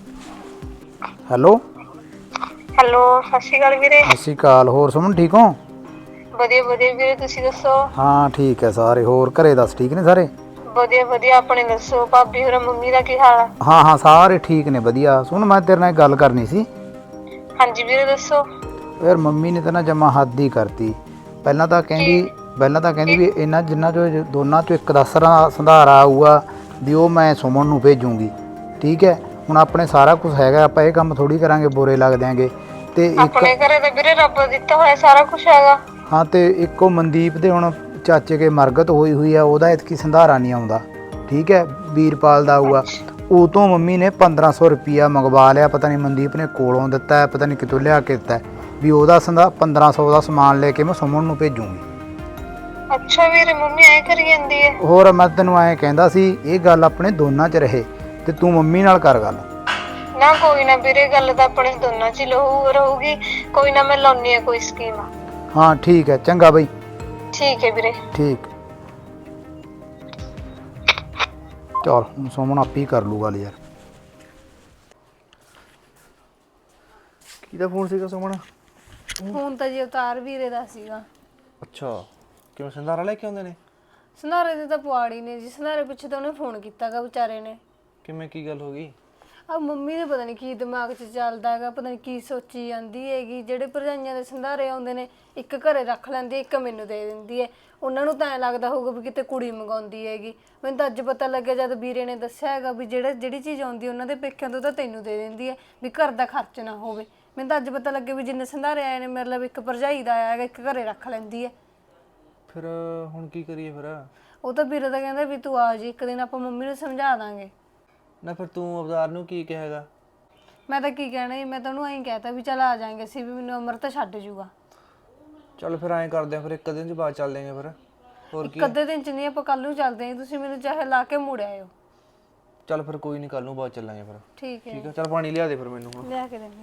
F: ਹੈਲੋ
A: ਹੈਲੋ, ਸਤਿ ਸ਼੍ਰੀ ਅਕਾਲ ਵੀਰੇ।
F: ਸਤਿ ਸ਼੍ਰੀ ਅਕਾਲ। ਹੋਰ ਸੁਮਨ ਠੀਕ ਹੋ?
A: ਵਧੀਆ ਵਧੀਆ ਵੀਰੇ, ਤੁਸੀਂ ਦੱਸੋ?
F: ਹਾਂ ਠੀਕ ਹੈ ਸਾਰੇ। ਹੋਰ ਘਰੇ ਦੱਸ ਠੀਕ ਨੇ ਸਾਰੇ?
A: ਵਧੀਆ ਵਧੀਆ, ਆਪਣੇ ਦੱਸੋ? ਭਾਬੀ ਹੋਰ ਮੰਮੀ ਦਾ ਕੀ ਹਾਲ ਆ?
F: ਹਾਂ ਹਾਂ ਸਾਰੇ ਠੀਕ ਨੇ, ਵਧੀਆ। ਸੁਣ ਮੈਂ ਤੇਰੇ ਨਾਲ ਇੱਕ ਗੱਲ ਕਰਨੀ ਸੀ।
A: ਹਾਂਜੀ ਵੀਰੇ ਦੱਸੋ।
F: ਯਾਰ ਮੰਮੀ ਨੇ ਤਾਂ ਨਾ ਜਮਾ ਹੱਦ ਹੀ ਕਰਤੀ। ਪਹਿਲਾਂ ਤਾਂ ਕਹਿੰਦੀ ਵੀ ਇਹਨਾਂ ਜਿੰਨਾ ਚੋਂ ਦੋਨਾਂ ਚੋਂ ਇੱਕ ਦਾ ਸੰਧਾਰਾ ਆਊਗਾ ਵੀ ਉਹ ਮੈਂ ਸੁਮਨ ਨੂੰ ਭੇਜੂਗੀ। ਠੀਕ ਹੈ, ਹੁਣ ਆਪਣੇ ਸਾਰਾ ਕੁਝ ਹੈਗਾ, ਆਪਾਂ ਇਹ ਕੰਮ ਥੋੜੀ ਕਰਾਂਗੇ ਬੁਰੇ ਲੱਗ ਦਿਆਂਗੇ। ਤੇ ਇੱਕ
A: ਆਪਣੇ ਘਰੇ ਤਾਂ ਵੀਰੇ ਰੱਬ ਦਿੱਤਾ ਹੋਇਆ ਸਾਰਾ ਕੁਝ ਹੈਗਾ।
F: ਹਾਂ, ਤੇ ਇੱਕੋ ਮਨਦੀਪ ਦੇ ਹੁਣ ਚਾਚੇ ਕੇ ਮਰਗਤ ਹੋਈ ਆ, ਉਹਦਾ ਇਤਕੀ ਸੰਧਾਰਾ ਨਹੀਂ ਆਉਂਦਾ। ਠੀਕ ਹੈ, ਵੀਰਪਾਲ ਦਾ ਆਊਗਾ। ਉਹ ਤੋਂ ਮੰਮੀ ਨੇ 1500 ਰੁਪਿਆ ਮੰਗਵਾ ਲਿਆ, ਪਤਾ ਨਹੀਂ ਮਨਦੀਪ ਨੇ ਕੋਲੋਂ ਦਿੱਤਾ ਹੈ, ਪਤਾ ਨਹੀਂ ਕਿਤੋਂ ਲਿਆ ਕੇ ਦਿੱਤਾ ਵੀ ਉਹਦਾ 1500 ਦਾ ਸਮਾਨ ਲੈ ਕੇ ਮੈਂ ਸੁਮਨ ਨੂੰ ਭੇਜੂਗੀ।
A: ਅੱਛਾ ਵੀਰੇ ਮੰਮੀ ਐ ਕਰੀ ਜਾਂਦੀ ਹੈ।
F: ਹੋਰ ਮੈਂ ਤੈਨੂੰ ਐਂ ਕਹਿੰਦਾ ਸੀ ਇਹ ਗੱਲ ਆਪਣੇ ਦੋਨਾਂ 'ਚ ਰਹੇ ਤੇ ਤੂੰ ਮੰਮੀ ਨਾਲ ਕਰ ਗੱਲ।
A: ਨਾ ਕੋਈ ਨਾ ਵੀਰੇ, ਗੱਲ ਤਾਂ ਆਪਣੇ ਦੋਨਾਂ 'ਚ ਹੀ ਰਹੂਗੀ। ਕੋਈ ਨਾ, ਮੈਂ ਲਾਉਣੀ ਆ ਕੋਈ ਸਕੀਮ।
F: ਹਾਂ ਠੀਕ ਹੈ, ਚੰਗਾ ਬਈ।
A: ਠੀਕ ਹੈ ਵੀਰੇ।
F: ਠੀਕ। ਚਲ ਹੁਣ ਸੁਮਨ ਆਪੇ ਹੀ ਕਰ ਲੂ ਗੱਲ ਯਾਰ।
G: ਕਿਹਦਾ ਫੋਨ ਸੀਗਾ ਸੁਮਨ?
A: ਫੋਨ ਤਾਂ ਜੀ ਅਵਤਾਰ ਵੀਰੇ ਦਾ ਸੀਗਾ।
G: ਅੱਛਾ, ਕਿਵੇਂ ਸੰਧਾਰਾ ਲੈ ਕੇ ਆਉਂਦੇ ਨੇ?
A: ਸੰਧਾਰੇ ਦੇ ਤਾਂ ਪੁਆੜੀ ਨੇ ਜੀ, ਸੰਧਾਰੇ ਪਿੱਛੇ ਤਾਂ ਉਹਨੇ ਫੋਨ ਕੀਤਾਗਾ ਵਿਚਾਰੇ ਨੇ।
G: ਕਿਵੇਂ, ਕੀ ਗੱਲ ਹੋ ਗਈ?
A: ਆ ਮੰਮੀ ਦੇ ਪਤਾ ਨਹੀਂ ਕੀ ਦਿਮਾਗ 'ਚ ਚੱਲਦਾ ਹੈਗਾ, ਪਤਾ ਨਹੀਂ ਕੀ ਸੋਚੀ ਜਾਂਦੀ ਹੈਗੀ। ਜਿਹੜੇ ਭਰਜਾਈਆਂ ਦੇ ਸੰਧਾਰੇ ਆਉਂਦੇ ਨੇ, ਇੱਕ ਘਰੇ ਰੱਖ ਲੈਂਦੀ ਹੈ, ਇੱਕ ਮੈਨੂੰ ਦੇ ਦਿੰਦੀ ਹੈ। ਉਹਨਾਂ ਨੂੰ ਤਾਂ ਐਂ ਲੱਗਦਾ ਹੋਊਗਾ ਵੀ ਕਿਤੇ ਕੁੜੀ ਮੰਗਾਉਂਦੀ ਹੈਗੀ। ਮੈਨੂੰ ਤਾਂ ਅੱਜ ਪਤਾ ਲੱਗਿਆ ਜਦ ਵੀਰੇ ਨੇ ਦੱਸਿਆ ਹੈਗਾ ਵੀ ਜਿਹੜੀ ਚੀਜ਼ ਆਉਂਦੀ ਉਹਨਾਂ ਦੇ ਪੇਕਿਆਂ ਤੋਂ ਤਾਂ ਤੈਨੂੰ ਦੇ ਦਿੰਦੀ ਹੈ, ਵੀ ਘਰ ਦਾ ਖਰਚ ਨਾ ਹੋਵੇ। ਮੈਨੂੰ ਤਾਂ ਅੱਜ ਪਤਾ ਲੱਗਿਆ ਵੀ ਜਿੰਨੇ ਸੰਧਾਰੇ ਆਏ ਨੇ ਮੇਰੇ ਲਈ ਇੱਕ ਭਰਜਾਈ ਦਾ ਆਇਆ ਹੈਗਾ, ਇੱਕ ਘਰੇ ਰੱਖ ਲੈਂਦੀ ਹੈ।
G: ਫਿਰ ਹੁਣ ਕੀ ਕਰੀਏ ਫਿਰ?
A: ਉਹ ਤਾਂ ਵੀਰੇ ਤਾਂ ਕਹਿੰਦਾ ਵੀ ਤੂੰ ਆ ਜੀ, ਇੱਕ ਦਿਨ ਆਪਾਂ ਮੰਮੀ ਨੂੰ ਸਮਝਾ ਦਾਂਗੇ।
G: ਨਾ ਫਿਰ ਤੂੰ ਅਵਤਾਰ ਨੂੰ ਕੀ ਕਹੇਗਾ?
A: ਮੈਂ ਤਾਂ ਕੀ ਕਹਿਣਾ ਜੀ, ਮੈਂ ਤਾਂ ਉਹਨੂੰ ਐਂ ਕਹਿਤਾ ਵੀ ਚੱਲ ਆ ਜਾਾਂਗੇ ਅਸੀਂ, ਵੀ ਮੈਨੂੰ ਅਮਰ ਤਾਂ ਛੱਡ ਜੂਗਾ।
G: ਚੱਲ ਫਿਰ ਐਂ ਕਰਦੇ ਆ, ਫਿਰ ਇੱਕ ਦਿਨ ਚ ਬਾਅਦ ਚੱਲ ਦੇਂਗੇ ਫਿਰ। ਹੋਰ ਕੀ?
A: ਇੱਕ ਅੱਧੇ ਦਿਨ ਚ ਨਹੀਂ, ਆਪਾਂ ਕੱਲ ਨੂੰ ਚੱਲਦੇ ਹਾਂ। ਤੁਸੀਂ ਮੈਨੂੰ ਚਾਹੇ ਲਾ ਕੇ ਮੁੜ ਆਇਓ।
G: ਚੱਲ ਫਿਰ ਕੋਈ ਨਹੀਂ, ਕੱਲ ਨੂੰ ਬਾਅਦ ਚੱਲਾਂਗੇ ਫਿਰ।
A: ਠੀਕ ਹੈ,
G: ਠੀਕ ਹੈ, ਚੱਲ ਪਾਣੀ ਲਿਆ ਦੇ ਫਿਰ ਮੈਨੂੰ ਹੁਣ।
A: ਲਿਆ ਕੇ ਦੇਣੀ।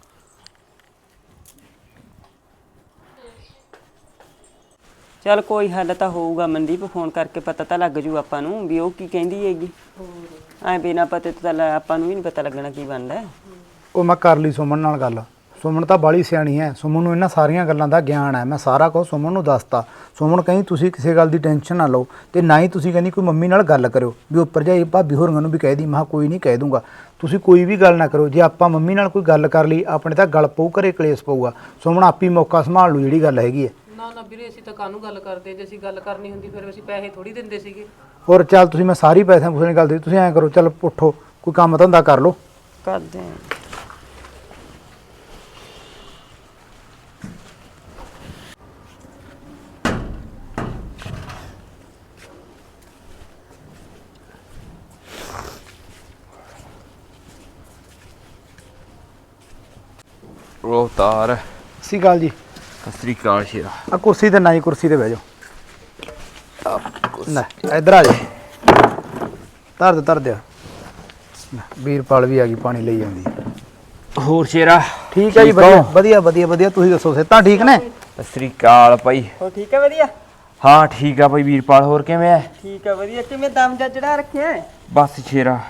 E: ਚੱਲ ਕੋਈ ਹੱਲ ਤਾਂ ਹੋਊਗਾ ਮਨਦੀਪ, ਫੋਨ ਕਰਕੇ ਪਤਾ ਤਾਂ ਲੱਗ ਜੂ ਆਪਾਂ ਨੂੰ ਵੀ ਉਹ ਕੀ ਕਹਿੰਦੀ ਹੈਗੀ। ਐਂ ਬਿਨਾਂ ਪਤੇ ਤੋਂ ਤਾਂ ਆਪਾਂ ਨੂੰ ਵੀ ਨਹੀਂ ਪਤਾ ਲੱਗਣਾ ਕੀ ਬਣਦਾ।
F: ਉਹ ਮੈਂ ਕਰ ਲਈ ਸੁਮਨ ਨਾਲ ਗੱਲ। ਸੁਮਨ ਤਾਂ ਬਾਲੀ ਸਿਆਣੀ ਹੈ, ਸੁਮਨ ਨੂੰ ਇਹਨਾਂ ਸਾਰੀਆਂ ਗੱਲਾਂ ਦਾ ਗਿਆਨ ਹੈ। ਮੈਂ ਸਾਰਾ ਕੁਝ ਸੁਮਨ ਨੂੰ ਦੱਸਤਾ। ਸੁਮਨ ਕਹਿੰਦੀ ਤੁਸੀਂ ਕਿਸੇ ਗੱਲ ਦੀ ਟੈਨਸ਼ਨ ਨਾ ਲਓ, ਤੇ ਨਾ ਹੀ ਤੁਸੀਂ ਕਹਿੰਦੀ ਕੋਈ ਮੰਮੀ ਨਾਲ ਗੱਲ ਕਰਿਓ ਵੀ ਉਹ ਭਰਜਾਈ ਭਾਬੀ ਹੋਰਾਂ ਨੂੰ ਵੀ ਕਹਿ ਦੀ। ਮੈਂ ਕਿਹਾ ਕੋਈ ਨਹੀਂ, ਕਹਿ ਦੂੰਗਾ। ਤੁਸੀਂ ਕੋਈ ਵੀ ਗੱਲ ਨਾ ਕਰੋ। ਜੇ ਆਪਾਂ ਮੰਮੀ ਨਾਲ ਕੋਈ ਗੱਲ ਕਰ ਲਈ ਆਪਣੇ ਤਾਂ ਗਲ ਪਊ, ਘਰੇ ਕਲੇਸ਼ ਪਊਗਾ। ਸੁਮਨ ਆਪੀ ਮੌਕਾ ਸੰਭਾਲ ਲੂ ਜਿਹੜੀ ਗੱਲ ਹੈਗੀ ਹੈ।
C: ਨਾ ਨਾ ਵੀਰੇ, ਅਸੀਂ ਤਾਂ ਕਾਹਨੂੰ ਗੱਲ ਕਰਦੇ? ਜੇ ਅਸੀਂ ਗੱਲ ਕਰਨੀ ਹੁੰਦੀ ਫਿਰ ਅਸੀਂ ਪੈਸੇ ਥੋੜੀ ਦਿੰਦੇ ਸੀਗੇ।
F: ਹੋਰ ਚੱਲ ਤੁਸੀਂ, ਮੈਂ ਸਾਰੀ ਪੈਸਿਆਂ ਪੂਸਿਆਂ ਦੀ ਗੱਲ ਦੇ, ਤੁਸੀਂ ਐਂ ਕਰੋ ਚੱਲ ਉੱਠੋ, ਕੋਈ ਕੰਮ ਧੰਦਾ ਕਰ ਲਓ।
E: ਕਰਦੇ ਆਂ।
B: ਉਹ ਅਵਤਾਰ।
F: ਸਤਿ ਸ਼੍ਰੀ ਅਕਾਲ ਜੀ।
B: ਸਤਿ ਸ੍ਰੀ ਅਕਾਲ ਸ਼ੇਰਾ।
F: ਆ ਕੁਰਸੀ ਤੇ ਨਾ ਜੀ, ਕੁਰਸੀ ਤੇ ਬਹਿ ਜਾਓ। ਲੈ ਇੱਧਰ ਆ ਜਾ। ਧਰ ਦੇ। ਵੀਰਪਾਲ ਵੀ ਆ ਗਈ, ਪਾਣੀ ਲਈ ਜਾਂਦੀ ਹੈ।
B: ਹੋਰ ਸ਼ੇਰਾ?
F: ਠੀਕ ਹੈ ਜੀ, ਵਧੀਆ। ਤੁਸੀਂ ਦੱਸੋ, ਸਿਹਤਾਂ ਠੀਕ ਨੇ?
B: ਸਤਿ ਸ੍ਰੀ ਅਕਾਲ ਭਾਈ।
E: ਹੋ ਠੀਕ ਹੈ? ਵਧੀਆ।
B: ਹਾਂ ਠੀਕ ਆ ਭਾਈ ਵੀਰਪਾਲ, ਹੋਰ ਕਿਵੇਂ ਐ?
E: ਠੀਕ ਹੈ, ਵਧੀਆ। ਕਿਵੇਂ ਦਮ ਜਾ ਚੜਾ ਰੱਖਿਆ?
B: ਬਸ ਸ਼ੇਰਾ,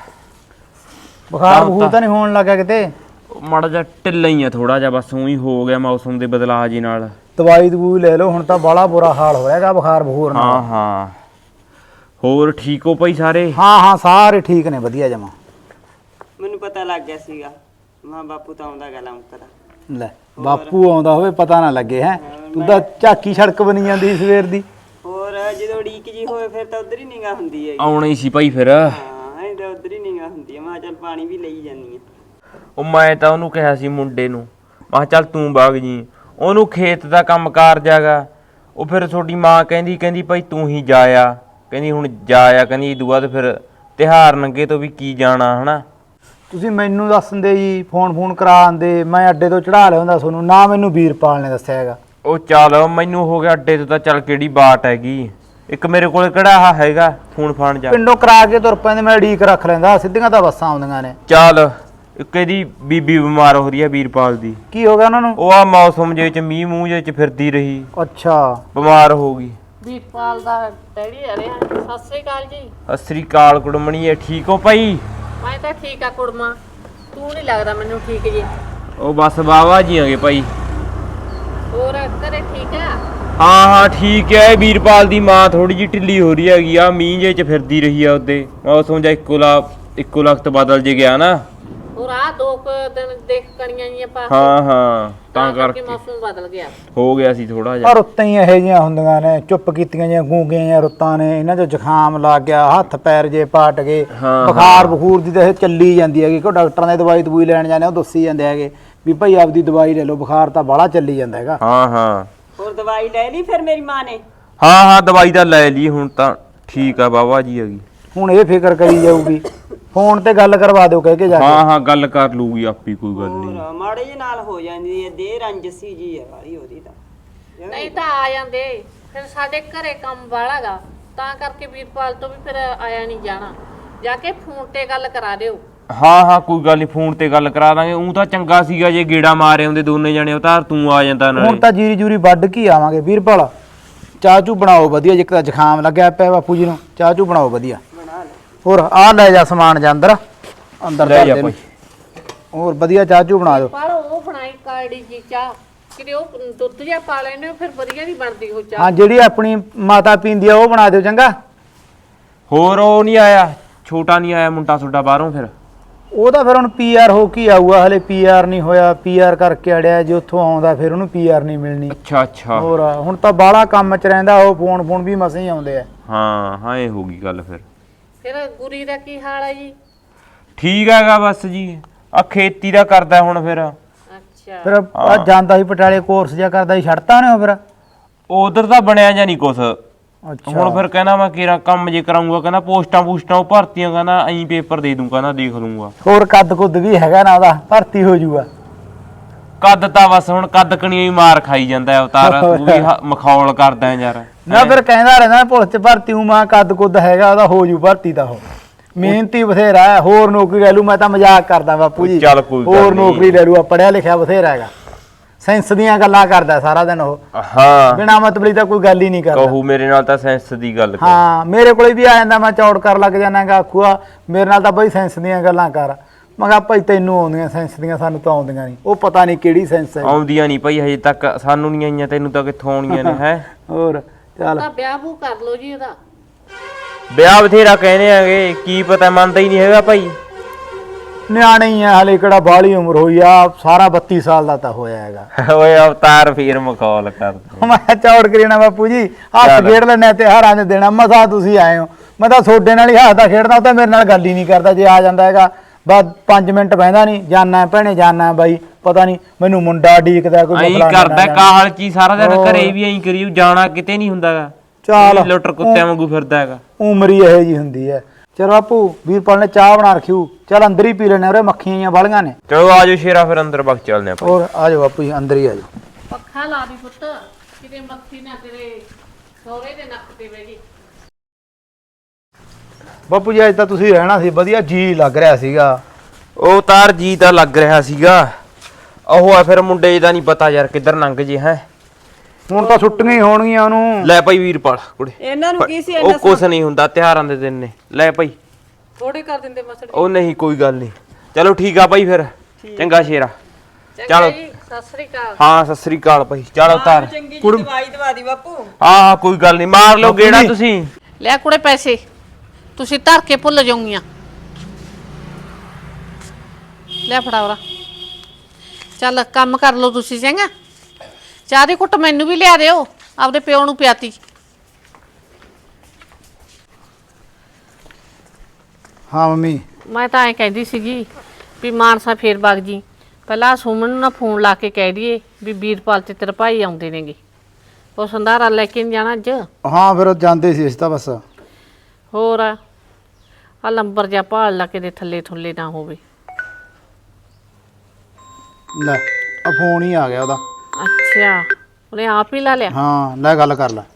F: ਬੁਖਾਰ ਬਖੂਰ ਤਾਂ ਨਹੀਂ ਹੋਣ ਲੱਗਾ ਕਿਤੇ?
B: ਮਾੜਾ ਜਿਹਾ ਢਿੱਲਾ ਹੀ ਆ ਥੋੜਾ ਜਿਹਾ, ਬਸ ਉਹੀ ਹੋ ਗਿਆ ਮੌਸਮ ਦੇ ਬਦਲਾਅ ਜੀ ਨਾਲ।
F: ਦਵਾਈ ਦਵੂਈ ਲੈ ਲਓ, ਹੁਣ ਤਾਂ ਬਾਲਾ ਬੁਰਾ ਹਾਲ ਹੋਇਆਗਾ ਬੁਖਾਰ ਬਖੂਰ ਨਾਲ।
B: ਹਾਂ ਹੋਰ ਠੀਕ ਹੋ ਭਾਈ ਸਾਰੇ?
F: ਹਾਂ ਸਾਰੇ ਠੀਕ ਨੇ, ਵਧੀਆ ਜਮਾ।
E: ਮੈਨੂੰ ਪਤਾ ਲੱਗ ਗਿਆ ਸੀਗਾ, ਮਾਂ ਬਾਪੂ ਤਾਂ ਆਉਂਦਾ ਗੱਲ ਮੁੱਕਦਾ।
F: ਲੈ ਬਾਪੂ ਆਉਂਦਾ ਹੋਵੇ ਪਤਾ ਨਾ ਲੱਗੇ ਹੈ। ਤੂੰ ਤਾਂ ਝਾਕੀ ਸੜਕ ਬਣੀ ਜਾਂਦੀ ਸਵੇਰ ਦੀ।
E: ਹੋਰ ਜਦੋਂ ਉਡੀਕ ਜੀ ਹੋਵੇ ਫਿਰ ਤਾਂ ਉਧਰ ਹੀ ਨਿਗਾਹ ਹੁੰਦੀ ਹੈ।
B: ਆਉਣਾ ਹੀ ਸੀ ਭਾਈ ਫਿਰ।
E: ਹਾਂ ਐਂ ਤਾਂ ਉਧਰ ਹੀ ਨਿਗਾਹ ਹੁੰਦੀ ਹੈ। ਮੈਂ ਚੱਲ ਪਾਣੀ ਵੀ ਲਈ ਜਾਂਦੀ ਆ।
B: ਉਹ ਮੈਂ ਤਾਂ ਉਹਨੂੰ ਕਿਹਾ ਸੀ ਮੁੰਡੇ ਨੂੰ, ਮੈਂ ਕਿਹਾ ਚੱਲ ਤੂੰ ਵਗ ਜੀ, ਉਹਨੂੰ ਖੇਤ ਦਾ ਕੰਮ ਕਾਰ ਜਾਗਾ। ਉਹ ਫਿਰ ਤੁਹਾਡੀ ਮਾਂ ਕਹਿੰਦੀ ਭਾਈ ਤੂੰ ਹੀ ਜਾਇਆ, ਕਹਿੰਦੀ ਹੁਣ ਜਾਇਆ, ਕਹਿੰਦੀ ਇਦੋਂ ਬਾਅਦ ਫਿਰ ਤਿਉਹਾਰ ਨੰਗੇ ਤੋਂ ਵੀ ਕੀ ਜਾਣਾ ਹਨਾ।
F: ਤੁਸੀਂ ਮੈਨੂੰ ਦੱਸ ਦਿੰਦੇ ਜੀ, ਫੋਨ ਕਰਾ ਆਂਦੇ, ਮੈਂ ਅੱਡੇ ਤੋਂ ਚੜਾ ਲਿਆਉਂਦਾ ਤੁਹਾਨੂੰ। ਨਾ ਮੈਨੂੰ ਵੀਰਪਾਲ ਨੇ ਦੱਸਿਆ ਹੈਗਾ।
B: ਉਹ ਚੱਲ ਮੈਨੂੰ ਹੋ ਗਿਆ ਅੱਡੇ ਤੋਂ ਤਾਂ, ਚੱਲ ਕਿਹੜੀ ਬਾਟ ਹੈਗੀ, ਇੱਕ ਮੇਰੇ ਕੋਲ ਕਿਹੜਾ ਆਹ ਹੈਗਾ ਫੋਨ ਫਾਨ ਜਾ।
F: ਪਿੰਡੋਂ ਕਰਾ ਕੇ ਤੁਰ ਪੈਂਦੇ, ਮੈਂ ਉਡੀਕ ਰੱਖ ਲੈਂਦਾ, ਸਿੱਧੀਆਂ ਤਾਂ ਬੱਸਾਂ ਆਉਂਦੀਆਂ ਨੇ।
B: ਚੱਲ ਇੱਕ ਇਹਦੀ ਬੀਬੀ ਬਿਮਾਰ ਹੋ ਰਹੀ ਹੈ ਵੀਰਪਾਲ ਦੀ।
F: ਕੀ ਹੋ ਗਿਆ ਉਹਨਾਂ ਨੂੰ?
B: ਉਹ ਆ ਮੌਸਮ ਜੇ ਚ ਮੀਂਹ ਮੂੰਹ ਜੇ ਚ ਫਿਰਦੀ ਰਹੀ,
F: ਅੱਛਾ
B: ਬਿਮਾਰ ਹੋ ਗਈ।
D: ਵੀਰਪਾਲ ਦਾ ਡੈਡੀ ਆ ਰਿਹਾ। ਸਤਿ ਸ੍ਰੀ ਅਕਾਲ ਜੀ।
B: ਸਤਿ ਸ੍ਰੀ ਅਕਾਲ ਕੁੜਮਣੀਏ, ਠੀਕ ਹੋ ਭਾਈ?
D: ਮੈਂ ਤਾਂ ਠੀਕ ਆ ਕੁੜਮਾ, ਤੂੰ ਨਹੀਂ ਲੱਗਦਾ ਮੈਨੂੰ ਠੀਕ ਜੀ।
B: ਉਹ ਬਸ ਬਾਵਾ ਜੀ ਆਗੇ ਭਾਈ।
D: ਹੋਰ ਘਰੇ ਠੀਕ ਆ?
B: ਹਾਂ ਠੀਕ ਹੈ। ਵੀਰਪਾਲ ਦੀ ਮਾਂ ਥੋੜੀ ਜਿਹੀ ਢਿੱਲੀ ਹੋ ਰਹੀ ਹੈਗੀ ਆ, ਮੀਂਹ ਜੇ ਚ ਫਿਰਦੀ ਰਹੀ ਆ, ਉਹਦੇ ਮੌਸਮ ਜਾਂ ਇੱਕੋ ਲਖਤ ਬਦਲ ਜੇ ਗਿਆ ਨਾ।
D: ਹੋਰ ਆ 2 ਦਿਨ ਦੇਖ ਕਣੀਆਂ ਜੀਆਂ ਪਾ
B: ਹਾਂ ਤਾਂ ਕਰਕੇ
D: ਮੌਸਮ ਬਦਲ ਗਿਆ,
B: ਹੋ ਗਿਆ ਸੀ ਥੋੜਾ ਜਿਹਾ।
F: ਪਰ ਰੁੱਤਾਂ ਹੀ ਇਹੋ ਜਿਹੀਆਂ ਹੁੰਦੀਆਂ ਨੇ, ਚੁੱਪ ਕੀਤੀਆਂ ਜਾਂ ਗੂੰਗੀਆਂ ਜਾਂ ਰੁੱਤਾਂ ਨੇ, ਇਹਨਾਂ 'ਚ ਜ਼ੁਕਾਮ ਲੱਗ ਗਿਆ, ਹੱਥ ਪੈਰ ਜੇ ਪਾਟ ਗਏ, ਬੁਖਾਰ ਬਖੂਰ ਦੀ ਤਾਂ ਇਹ ਚੱਲੀ ਜਾਂਦੀ ਹੈਗੀ। ਕੋਈ ਡਾਕਟਰਾਂ ਦੇ ਦਵਾਈ ਲੈਣ ਜਾਂਦੇ ਉਹ ਦੱਸੀ ਜਾਂਦੇ ਹੈਗੇ ਵੀ ਭਾਈ ਆਪਦੀ ਦਵਾਈ ਲੈ ਲਓ, ਬੁਖਾਰ ਤਾਂ ਬਾਹਲਾ ਚੱਲੀ ਜਾਂਦਾ ਹੈਗਾ।
B: ਹਾਂ
E: ਹੋਰ ਦਵਾਈ ਲੈ ਲਈ ਫਿਰ ਮੇਰੀ ਮਾਂ ਨੇ?
B: ਹਾਂ ਦਵਾਈ ਤਾਂ ਲੈ ਲਈ, ਹੁਣ ਤਾਂ ਠੀਕ ਆ ਬਾਬਾ ਜੀ ਹੈਗੀ।
F: ਹੁਣ ਇਹ ਫਿਕਰ ਕਰੀ ਜਾਊਗੀ, ਫੋਨ ਤੇ ਗੱਲ ਕਰਵਾ ਦਿਓ ਕਹਿ ਕੇ ਜਾ ਕੇ।
B: ਹਾਂ ਗੱਲ ਕਰ ਲੂਗੀ ਆਪੀ, ਕੋਈ ਗੱਲ ਨਹੀਂ।
E: ਹੋਰ ਮਾੜੇ ਜਿਹੇ ਨਾਲ ਹੋ ਜਾਂਦੀ ਹੈ, ਦੇ ਰੰਜਸੀ ਜੀ ਹੈ ਵਾਲੀ ਉਹਦੀ ਤਾਂ।
D: ਨਹੀਂ ਤਾਂ ਆ ਜਾਂਦੇ, ਫਿਰ ਸਾਡੇ ਘਰੇ ਕੰਮ ਵਾਲਾਗਾ, ਤਾਂ ਕਰਕੇ ਵੀਰਪਾਲ ਤੋਂ ਵੀ ਫਿਰ ਆਇਆ ਨਹੀਂ ਜਾਣਾ। ਜਾ ਕੇ ਫੋਨ ਤੇ ਗੱਲ ਕਰਾ ਦਿਓ।
B: ਹਾਂ ਹਾਂ ਕੋਈ ਗੱਲ ਨਹੀਂ, ਫੋਨ ਤੇ ਗੱਲ ਕਰਾ ਦਾਂਗੇ। ਉਹ ਤਾਂ ਚੰਗਾ ਸੀਗਾ ਜੇ ਗੇੜਾ ਮਾਰੇ ਹੁੰਦੇ ਦੋਨੇ ਜਣੇ, ਉਤਾਰ ਤੂੰ ਆ ਜਾਂਦਾ ਨਾਲੇ।
F: ਹੁਣ ਤਾਂ ਜੀਰੀ ਜੂਰੀ ਵੱਢ ਕੇ ਹੀ ਆਵਾਂਗੇ ਵੀਰਪਾਲ। ਚਾਹ ਚੂ ਬਣਾਓ ਵਧੀਆ, ਜੇ ਤਾਂ ਜ਼ੁਕਾਮ ਲੱਗਿਆ ਪਿਆ ਬਾਪੂ ਜੀ ਨੂੰ, ਚਾਹ ਚੂ ਬਣਾਓ ਵਧੀਆ। ਹੋਰ ਆ ਲੈ ਜਾ ਸਮਾਨ ਜਾ ਅੰਦਰ ਅੰਦਰ
B: ਲੈ
F: ਧਰ
B: ਜਾ
F: ਦੇ
B: ਭਾਈ।
F: ਹੋਰ ਵਧੀਆ ਚਾਹ ਚੂ ਬਣਾ ਦਿਓ।
D: ਪਰ ਉਹ ਬਣਾਈ ਕਾੜੀ ਜੀ ਚਾਹ, ਕਿਤੇ ਉਹ ਦੁੱਧ ਜਿਹਾ ਪਾ ਲੈਣੇ ਫਿਰ ਵਧੀਆ ਨਹੀਂ ਬਣਦੀ ਉਹ ਚਾਹ।
F: ਹਾਂ ਜਿਹੜੀ ਆਪਣੀ ਮਾਤਾ ਪੀਂਦੀ ਆ ਉਹ ਬਣਾ ਦਿਓ ਚੰਗਾ।
B: ਹੋਰ ਉਹ ਨਹੀਂ ਆਇਆ, ਛੋਟਾ ਨਹੀਂ ਆਇਆ ਮੁੰਡਾ ਤੁਹਾਡਾ ਬਾਹਰੋਂ? ਫਿਰ
F: ਉਹ ਤਾਂ ਫਿਰ ਹੁਣ ਪੀਆਰ ਹੋ ਕੇ ਆਊਗਾ, ਹਲੇ ਪੀਆਰ ਨਹੀਂ ਹੋਇਆ। ਪੀਆਰ ਕਰਕੇ ਅੜਿਆ, ਜੇ ਉੱਥੋਂ ਆਉਂਦਾ ਫਿਰ ਉਹਨੂੰ ਪੀਆਰ ਨਹੀਂ ਮਿਲਣੀ।
B: ਅੱਛਾ ਅੱਛਾ।
F: ਹੋਰ ਹੁਣ ਤਾਂ ਬਾਹਲਾ ਕੰਮ ਚ ਰਹਿੰਦਾ, ਉਹ ਫੋਨ ਵੀ ਮਸੇ ਹੀ ਆਉਂਦੇ ਆ।
B: ਹਾਂ ਇਹ ਹੋ ਗਈ ਗੱਲ।
D: ਫਿਰ ਗੁਰੀ ਦਾ ਕੀ ਹਾਲ ਹੈ ਜੀ?
B: ਠੀਕ ਹੈਗਾ ਬਸ ਜੀ, ਆ ਖੇਤੀ ਦਾ ਕਰਦਾ ਹੁਣ। ਫਿਰ
D: ਅੱਛਾ,
F: ਫਿਰ ਆ ਜਾਂਦਾ ਸੀ ਪਟਿਆਲੇ, ਕੋਰਸ ਜਿਹਾ ਕਰਦਾ ਸੀ, ਛੱਡਤਾ ਉਹਨੇ ਉਹ ਫਿਰ?
B: ਉਧਰ ਤਾਂ ਬਣਿਆ ਜਾਂ ਨਹੀਂ ਕੁਛ।
F: ਅੱਛਾ
B: ਹੁਣ ਫਿਰ ਕਹਿੰਦਾ ਮੈਂ ਕਿਹੜਾ ਕੰਮ ਜੇ ਕਰਾਉਂਗਾ, ਕਹਿੰਦਾ ਪੋਸਟਾਂ ਉਹ ਭਰਤੀਆਂ, ਕਹਿੰਦਾ ਐਂ ਪੇਪਰ ਦੇ ਦੂੰ, ਕਹਿੰਦਾ ਦੇਖ ਲੂੰਗਾ।
F: ਹੋਰ ਕੱਦ ਕੁੱਦ ਵੀ ਹੈਗਾ ਨਾ ਉਹਦਾ, ਭਰਤੀ ਹੋ ਜਾਊਗਾ।
B: ਕੱਦ ਤਾਂ ਬਸ ਹੁਣ ਕੱਦ ਕਣੀ ਹੀ ਮਾਰ ਖਾਈ ਜਾਂਦਾ ਅਵਤਾਰ, ਤੂੰ ਵੀ ਮਖੌਲ ਕਰਦਾ ਯਾਰ।
F: ਨਾ ਫਿਰ ਕਹਿੰਦਾ ਰਹਿੰਦਾ ਪੁਲਿਸ ਚ ਭਰਤੀ ਹੂੰ, ਮੈਂ ਕੱਦ ਕੁੱਦ ਹੈਗਾ ਉਹਦਾ, ਹੋ ਜੂ ਭਰਤੀ ਤਾਂ। ਉਹ ਮਿਹਨਤੀ ਬਥੇਰਾ ਹੈ, ਹੋਰ ਨੌਕਰੀ ਲੈ ਲੂ। ਮੈਂ ਤਾਂ ਮਜ਼ਾਕ ਕਰਦਾ ਬਾਪੂ ਜੀ,
B: ਚੱਲ ਕੋਈ ਗੱਲ
F: ਹੋਰ
B: ਨੀ।
F: ਨੌਕਰੀ ਲੈ ਲੂ, ਪੜਿਆ ਲਿਖਿਆ ਬਥੇਰਾ ਹੈਗਾ। ਸੈਂਸ ਦੀਆਂ ਗੱਲਾਂ ਕਰਦਾ ਸਾਰਾ ਦਿਨ ਉਹ,
B: ਹਾਂ
F: ਬਿਨਾਂ ਮਤਲਬ ਤਾਂ ਕੋਈ ਗੱਲ ਹੀ ਨਹੀਂ ਕਰਦਾ।
B: ਕਹੂ ਮੇਰੇ ਨਾਲ ਤਾਂ ਸੈਂਸ ਦੀ ਗੱਲ ਕਰ।
F: ਹਾਂ ਮੇਰੇ ਕੋਲੇ ਵੀ ਆ ਜਾਂਦਾ, ਮੈਂ ਚੌੜ ਕਰ ਲੱਗ ਜਾਣਾਗਾ, ਆਖੂਆ ਮੇਰੇ ਨਾਲ ਤਾਂ ਬਈ ਸੈਂਸ ਦੀਆਂ ਗੱਲਾਂ ਕਰ। ਮੈਂ ਕਿਹਾ ਭਾਈ ਤੈਨੂੰ ਆਉਂਦੀਆਂ ਸੈਂਸ ਦੀਆਂ, ਸਾਨੂੰ ਤਾਂ ਆਉਂਦੀਆਂ ਨਹੀਂ। ਉਹ ਪਤਾ ਨਹੀਂ ਕਿਹੜੀ ਸੈਂਸ ਹੈ।
B: ਆਉਂਦੀਆਂ ਨਹੀਂ ਭਾਈ ਹਜੇ ਤੱਕ, ਸਾਨੂੰ ਨਹੀਂ ਆਈਆਂ, ਤੈਨੂੰ ਤਾਂ ਕਿੱਥੋਂ ਆਉਣੀਆਂ ਨੇ ਹੈ।
F: ਹੋਰ ਚੱਲ
D: ਤਾਂ ਵਿਆਹ ਵੂ ਕਰ ਲਓ ਜੀ ਉਹਦਾ।
B: ਵਿਆਹ ਬਥੇਰਾ ਕਹਿੰਦੇ ਆਗੇ, ਕੀ ਪਤਾ ਮੰਨਦਾ ਹੀ ਨਹੀਂ ਹੈਗਾ ਭਾਈ।
F: ਨਿਆਣੇ ਹੀ ਆ, ਹਲੇ ਕਿਹੜਾ ਬਾਹਲੀ ਉਮਰ ਹੋਈ ਆ, ਸਾਰਾ 32 ਸਾਲ ਦਾ ਤਾਂ ਹੋਇਆ ਹੈਗਾ।
B: ਓਏ ਅਵਤਾਰ ਫੇਰ ਮਖੌਲ ਕਰਦਾ।
F: ਮੈਂ ਚੌੜ ਕਰੀਣਾ ਬਾਪੂ ਜੀ, ਹੱਥ ਖੇਡ ਲੈਣਾ ਤਿਉਹਾਰਾਂ ਦੇ ਦੇਣਾ, ਮਸਾ ਤੁਸੀਂ ਆਏ ਹੋ। ਮੈਂ ਤਾਂ ਤੁਹਾਡੇ ਨਾਲ ਹੀ ਹੱਸਦਾ ਖੇਡਦਾ, ਉਹ ਤਾਂ ਮੇਰੇ ਨਾਲ ਗੱਲ ਹੀ ਨਹੀਂ ਕਰਦਾ। ਜੇ ਆ ਜਾਂਦਾ ਹੈਗਾ ਬਸ 5 ਮਿੰਟ ਬਹਿੰਦਾ ਨਹੀਂ, ਜਾਨਾ ਭੈਣੇ ਜਾਨਾ ਬਾਈ, ਪਤਾ ਨਹੀਂ ਮੈਨੂੰ ਮੁੰਡਾ ਡੀਕਦਾ ਕੋਈ
B: ਐਂ
F: ਮਸਲਾ
B: ਕਰਦਾ ਕਾਹਲ ਕੀ ਸਾਰਾ ਦਿਨ ਘਰੇ ਵੀ ਐਂ ਕਰੀ ਜਾਣਾ ਕਿਤੇ ਨਹੀਂ ਹੁੰਦਾਗਾ।
F: ਚੱਲ
B: ਲੁੱਟਰ ਕੁੱਤਿਆਂ ਵਾਂਗੂ ਫਿਰਦਾ ਹੈਗਾ।
F: ਉਮਰ ਹੀ ਇਹੋ ਜੀ ਹੁੰਦੀ ਹੈ। ਚਲ ਬਾਪੂ ਵੀਰਪਾਲ ਨੇ ਚਾਹ ਬਣਾ ਰੱਖਿਓ, ਚੱਲ ਅੰਦਰ ਹੀ ਪੀ ਲੈਣੇ, ਉਰੇ ਮੱਖੀਆਂ ਵਾਲੀਆਂ ਨੇ।
B: ਚਲੋ ਆਜੋ ਸ਼ੇਰਾ, ਫਿਰ ਅੰਦਰ ਬਗ ਚੱਲਦੇ ਆਪਾਂ।
F: ਹੋਰ ਆ ਜਾਓ ਬਾਪੂ ਜੀ, ਅੰਦਰ ਹੀ ਆ ਜਾਓ।
D: ਪੱਖਾ ਲਾ ਦੀ ਪੁੱਤ, ਕਿਤੇ ਮੱਖੀ ਨਾ ਤੇਰੇ ਸਹੁਰੇ ਦੇ ਨੱਕ ਤੇ ਬਹਿ ਗਈ।
F: ਬਾਪੂ ਜੀ ਅੱਜ ਤਾਂ ਤੁਸੀਂ ਰਹਿਣਾ ਸੀ, ਵਧੀਆ ਜੀ ਲੱਗ ਰਿਹਾ ਸੀਗਾ।
B: ਉਹ ਤਾਰ ਜੀ ਤਾਂ ਲੱਗ ਰਿਹਾ ਸੀਗਾ, ਉਹ ਆ ਫਿਰ ਮੁੰਡੇ ਦਾ ਨਹੀਂ ਪਤਾ ਯਾਰ ਕਿੱਧਰ ਲੰਘ ਜੇ ਹੈ।
F: ਹੁਣ ਤਾਂ ਛੁੱਟੀਆਂ ਹੀ ਹੋਣਗੀਆਂ ਉਹਨੂੰ।
B: ਲੈ ਭਾਈ ਵੀਰਪਾਲ ਕੁੜੇ,
E: ਇਹਨਾਂ ਨੂੰ ਕੀ ਸੀ
B: ਉਹ ਕੁਛ ਨਹੀਂ ਹੁੰਦਾ, ਤਿਉਹਾਰਾਂ ਦੇ ਦਿਨ ਨੇ। ਲੈ ਭਾਈ
D: ਥੋੜੇ ਕਰ ਦਿੰਦੇ ਮਸੜ।
B: ਉਹ ਨਹੀਂ ਕੋਈ ਗੱਲ ਨਹੀਂ, ਚਲੋ ਠੀਕ ਆ ਭਾਈ ਫਿਰ, ਚੰਗਾ ਸ਼ੇਰਾ।
D: ਚਲੋ ਜੀ, ਸਤਿ ਸ੍ਰੀ ਅਕਾਲ।
B: ਹਾਂ ਸਤਿ ਸ੍ਰੀ ਅਕਾਲ ਭਾਈ, ਚਲ ਉਤਾਰ।
E: ਚੰਗੀ ਜੀ ਦਵਾਈ ਦਵਾ ਦੀ ਬਾਪੂ।
B: ਹਾਂ ਕੋਈ ਗੱਲ ਨਹੀਂ, ਮਾਰ ਲਓ ਗੇੜਾ ਤੁਸੀਂ।
D: ਲੈ ਕੁੜੇ ਪੈਸੇ, ਤੁਸੀਂ ਧਰ ਕੇ ਭੁੱਲ ਜਾਓਗੀਆਂ। ਲੈ ਫੜਾ ਉਰਾ, ਚੱਲ ਕੰਮ ਕਰ ਲਓ ਤੁਸੀਂ ਚੰਗਾ। ਚਾਹ ਦੀ ਘੁੱਟ ਮੈਨੂੰ ਵੀ ਲਿਆ ਦਿਓ, ਆਪਦੇ ਪਿਓ ਨੂੰ ਪਿਆਤੀ।
F: ਹਾਂ ਮੰਮੀ।
D: ਮੈਂ ਤਾਂ ਐਂ ਕਹਿੰਦੀ ਸੀਗੀ ਵੀ ਮਾਨਸਾ ਫੇਰ ਵਗ ਜੀ, ਪਹਿਲਾਂ ਸੁਮਨ ਨੂੰ ਨਾ ਫੋਨ ਲਾ ਕੇ ਕਹਿ ਦਈਏ ਵੀ ਵੀਰਪਾਲ ਤੇ ਤੇਰੇ ਭਾਈ ਆਉਂਦੇ ਨੇਗੇ, ਉਹ ਸੰਧਾਰਾ ਲੈ ਕੇ ਨਹੀਂ ਜਾਣਾ ਅੱਜ।
F: ਹਾਂ ਫਿਰ ਉਹ ਜਾਂਦੇ ਸੀ, ਇਸ ਤਾਂ ਬਸ।
D: ਹੋਰ ਆ ਲੰਬਰ ਜਿਹਾ ਭਾਲ ਲਾ ਕੇ ਦੇ ਥੱਲੇ ਥੁੱਲੇ ਨਾ ਹੋਵੇ।
F: ਲੈ ਆ ਫੋਨ ਹੀ ਆ ਗਿਆ ਉਹਦਾ।
D: ਅੱਛਾ, ਉਹਨੇ ਆਪ ਹੀ ਲਾ ਲਿਆ।
F: ਹਾਂ ਲੈ ਗੱਲ ਕਰ ਲੈ।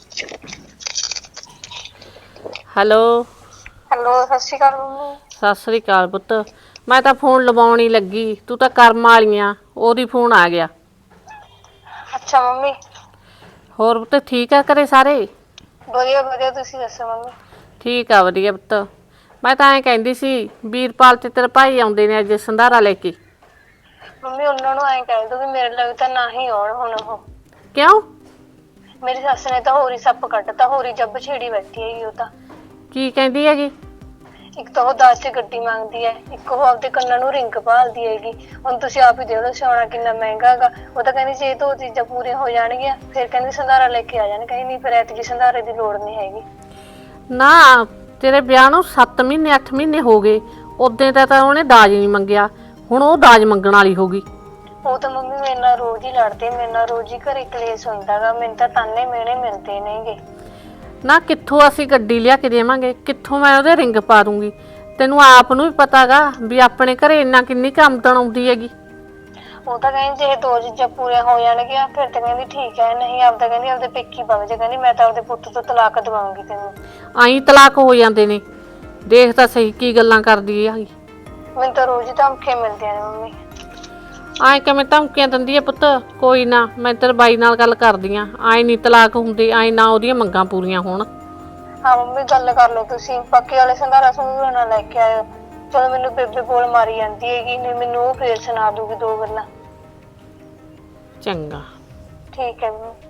D: ਹੈਲੋ
A: ਹੈਲੋ, ਸਤਿ ਸ਼੍ਰੀ ਅਕਾਲ ਮੰਮੀ।
D: ਸਤਿ ਸ੍ਰੀ ਅਕਾਲ ਪੁੱਤ, ਮੈਂ ਤਾਂ ਫੋਨ ਲਵਾਉਣ ਹੀ ਲੱਗੀ, ਤੂੰ ਤਾਂ ਕਰਮ ਵਾਲੀਆਂ, ਉਹਦੀ ਫੋਨ ਆ ਗਿਆ।
A: ਅੱਛਾ ਮੰਮੀ।
D: ਹੋਰ ਪੁੱਤ ਠੀਕ ਆ ਘਰੇ ਸਾਰੇ?
A: ਵਧੀਆ ਵਧੀਆ, ਤੁਸੀਂ ਦੱਸੋ ਮੰਮੀ।
D: ਠੀਕ ਆ ਵਧੀਆ ਪੁੱਤ। ਮੈਂ ਤਾਂ ਐਂ ਕਹਿੰਦੀ ਸੀ ਵੀਰਪਾਲ ਤੇ ਤੇਰੇ ਭਾਈ ਆਉਂਦੇ ਨੇ ਅੱਜ ਸੰਧਾਰਾ ਲੈ ਕੇ।
A: ਮੰਮੀ ਉਹਨਾਂ ਨੂੰ ਐਂ ਕਹਿ ਦੋ ਵੀ ਮੇਰੇ ਲਈ ਤਾਂ ਨਾ ਹੀ ਆਉਣ ਹੁਣ ਉਹ।
D: ਕਿਉਂ?
A: ਮੇਰੀ ਸੱਸ ਨੇ ਤਾਂ ਹੋਰ ਹੀ ਸੱਪ ਕੱਢਤਾ, ਹੋਰ ਹੀ ਜੱਬ ਛੇੜੀ ਬੈਠੀ ਹੈਗੀ ਉਹ ਤਾਂ।
D: ਕੀ ਕਹਿੰਦੀ ਹੈਗੀ?
A: ਇੱਕ ਤਾਂ ਉਹ ਦਾਜ 'ਚ ਗੱਡੀ ਮੰਗਦੀ ਹੈ, ਇੱਕ ਉਹ ਆਪਦੇ ਕੰਨਾਂ ਨੂੰ ਰਿੰਗ ਭਾਲਦੀ ਹੈਗੀ। ਹੁਣ ਤੁਸੀਂ ਆਪ ਹੀ ਦੇਖ ਲਓ ਸਿਆਉਣਾ ਕਿੰਨਾ ਮਹਿੰਗਾ ਹੈਗਾ। ਉਹ ਤਾਂ ਕਹਿੰਦੀ ਜੇ ਦੋ ਚੀਜ਼ਾਂ ਪੂਰੀਆਂ ਹੋ ਜਾਣਗੀਆਂ ਫਿਰ ਕਹਿੰਦੀ ਸੰਧਾਰਾ ਲੈ ਕੇ ਆ ਜਾਣ। ਕਹਿੰਦੀ ਨਹੀਂ ਫਿਰ ਐਤਕੀ ਸੰਧਾਰੇ ਦੀ ਲੋੜ ਨਹੀਂ ਹੈਗੀ।
D: ਨਾ ਤੇਰੇ ਵਿਆਹ ਨੂੰ 7 ਮਹੀਨੇ 8 ਮਹੀਨੇ ਹੋ ਗਏ, ਉਦੋਂ ਤਾਂ ਉਹਨੇ ਦਾਜ ਨਹੀਂ ਮੰਗਿਆ, ਹੁਣ ਉਹ ਦਾਜ ਮੰਗਣ ਵਾਲੀ ਹੋ ਗਈ।
A: ਉਹ ਤਾਂ ਮੰਮੀ ਮੇਰੇ ਨਾਲ ਰੋਜ਼ ਹੀ ਲੜਦੇ, ਮੇਰੇ ਨਾਲ ਰੋਜ਼ ਹੀ ਘਰੇ ਕਲੇਸ਼ ਹੁੰਦਾ ਗਾ। ਮੈਨੂੰ ਤਾਂ ਤਾਨੇ ਮਿਹਣੇ ਮਿਲਦੇ ਨੇਗੇ।
D: ਨਾ ਕਿੱਥੋਂ ਅਸੀਂ ਗੱਡੀ ਲਿਆ ਕੇ ਦੇਵਾਂਗੇ, ਕਿੱਥੋਂ ਮੈਂ ਉਹਦੇ ਰਿੰਗ ਪਾ ਦੂੰਗੀ? ਤੈਨੂੰ ਆਪ ਨੂੰ ਵੀ ਪਤਾਗਾ ਵੀ ਆਪਣੇ ਘਰੇ ਇੰਨਾ ਕਿੰਨੀ ਕੁ ਆਮਦਨ ਆਉਂਦੀ ਹੈਗੀ।
A: ਉਹ ਤਾਂ ਕਹਿੰਦੀ ਜੇ ਦੋ ਚੀਜ਼ਾਂ ਪੂਰੀਆਂ ਹੋ ਜਾਣਗੀਆਂ ਫਿਰ ਤਾਂ ਕਹਿੰਦੀ ਠੀਕ ਹੈ, ਨਹੀਂ ਆਪਦਾ ਕਹਿੰਦੀ ਆਪਦੇ ਪੇਕੀ ਵਗ ਜਾ, ਕਹਿੰਦੀ ਮੈਂ ਤਾਂ ਆਪਦੇ ਪੁੱਤ ਤੋਂ ਤਲਾਕ ਦਵਾਉਂਗੀ ਤੈਨੂੰ।
D: ਆਈ ਤਲਾਕ ਹੋ ਜਾਂਦੇ ਨੇ, ਦੇਖ ਤਾਂ ਸਹੀ ਕੀ ਗੱਲਾਂ ਕਰਦੀ ਹੈ।
A: ਮੈਨੂੰ ਤਾਂ ਰੋਜ਼ ਹੀ ਧਮਕੀਆਂ ਮਿਲਦੀਆਂ ਨੇ ਮੰਮੀ।
D: ਆਏ ਕਿਵੇਂ ਧਮਕੀਆਂ ਦਿੰਦੀ ਹੈ ਪੁੱਤ? ਕੋਈ ਨਾ, ਮੈਂ ਤੇਰੇ ਬਾਈ ਨਾਲ ਗੱਲ ਕਰਦੀ ਆਂ। ਆਏ ਨਹੀਂ ਤਲਾਕ ਹੁੰਦੇ, ਆਏ ਨਾ ਉਹਦੀਆਂ ਮੰਗਾਂ ਪੂਰੀਆਂ ਹੋਣ।
A: ਹਾਂ ਮੰਮੀ ਗੱਲ ਕਰ ਲਓ ਤੁਸੀਂ, ਬਾਕੀ ਵਾਲੇ ਸੰਧਾਰਾ ਸੰਧੂਰਾ ਨਾ ਲੈ ਕੇ ਆਇਓ। ਚਲੋ ਮੈਨੂੰ ਬੇਬੇ ਬੋਲ ਮਾਰੀ ਜਾਂਦੀ ਹੈਗੀ, ਨਹੀਂ ਮੈਨੂੰ ਉਹ ਫੇਰ ਸੁਣਾ ਦੂਗੀ ਦੋ ਗੱਲਾਂ।
D: ਚੰਗਾ
A: ਠੀਕ ਹੈ ਮੰਮੀ।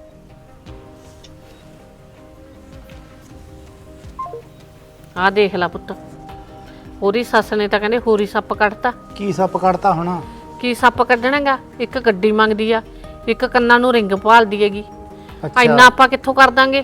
D: ਆਹ ਦੇਖ ਲੈ ਪੁੱਤ, ਉਹਦੀ ਸੱਸ ਨੇ ਤਾਂ ਕਹਿੰਦੇ ਹੋਰੀ ਸੱਪ ਕੱਢਤਾ।
F: ਕੀ ਸੱਪ ਕੱਢਤਾ ਹੁਣ?
D: ਕੀ ਸੱਪ ਕੱਢਣਾਗਾ? ਇੱਕ ਗੱਡੀ ਮੰਗਦੀ ਆ, ਇੱਕ ਕੰਨਾਂ ਨੂੰ ਰਿੰਗ ਭਾਲਦੀ ਹੈਗੀ। ਇੰਨਾ ਆਪਾਂ ਕਿੱਥੋਂ ਕਰ ਦਾਂਗੇ?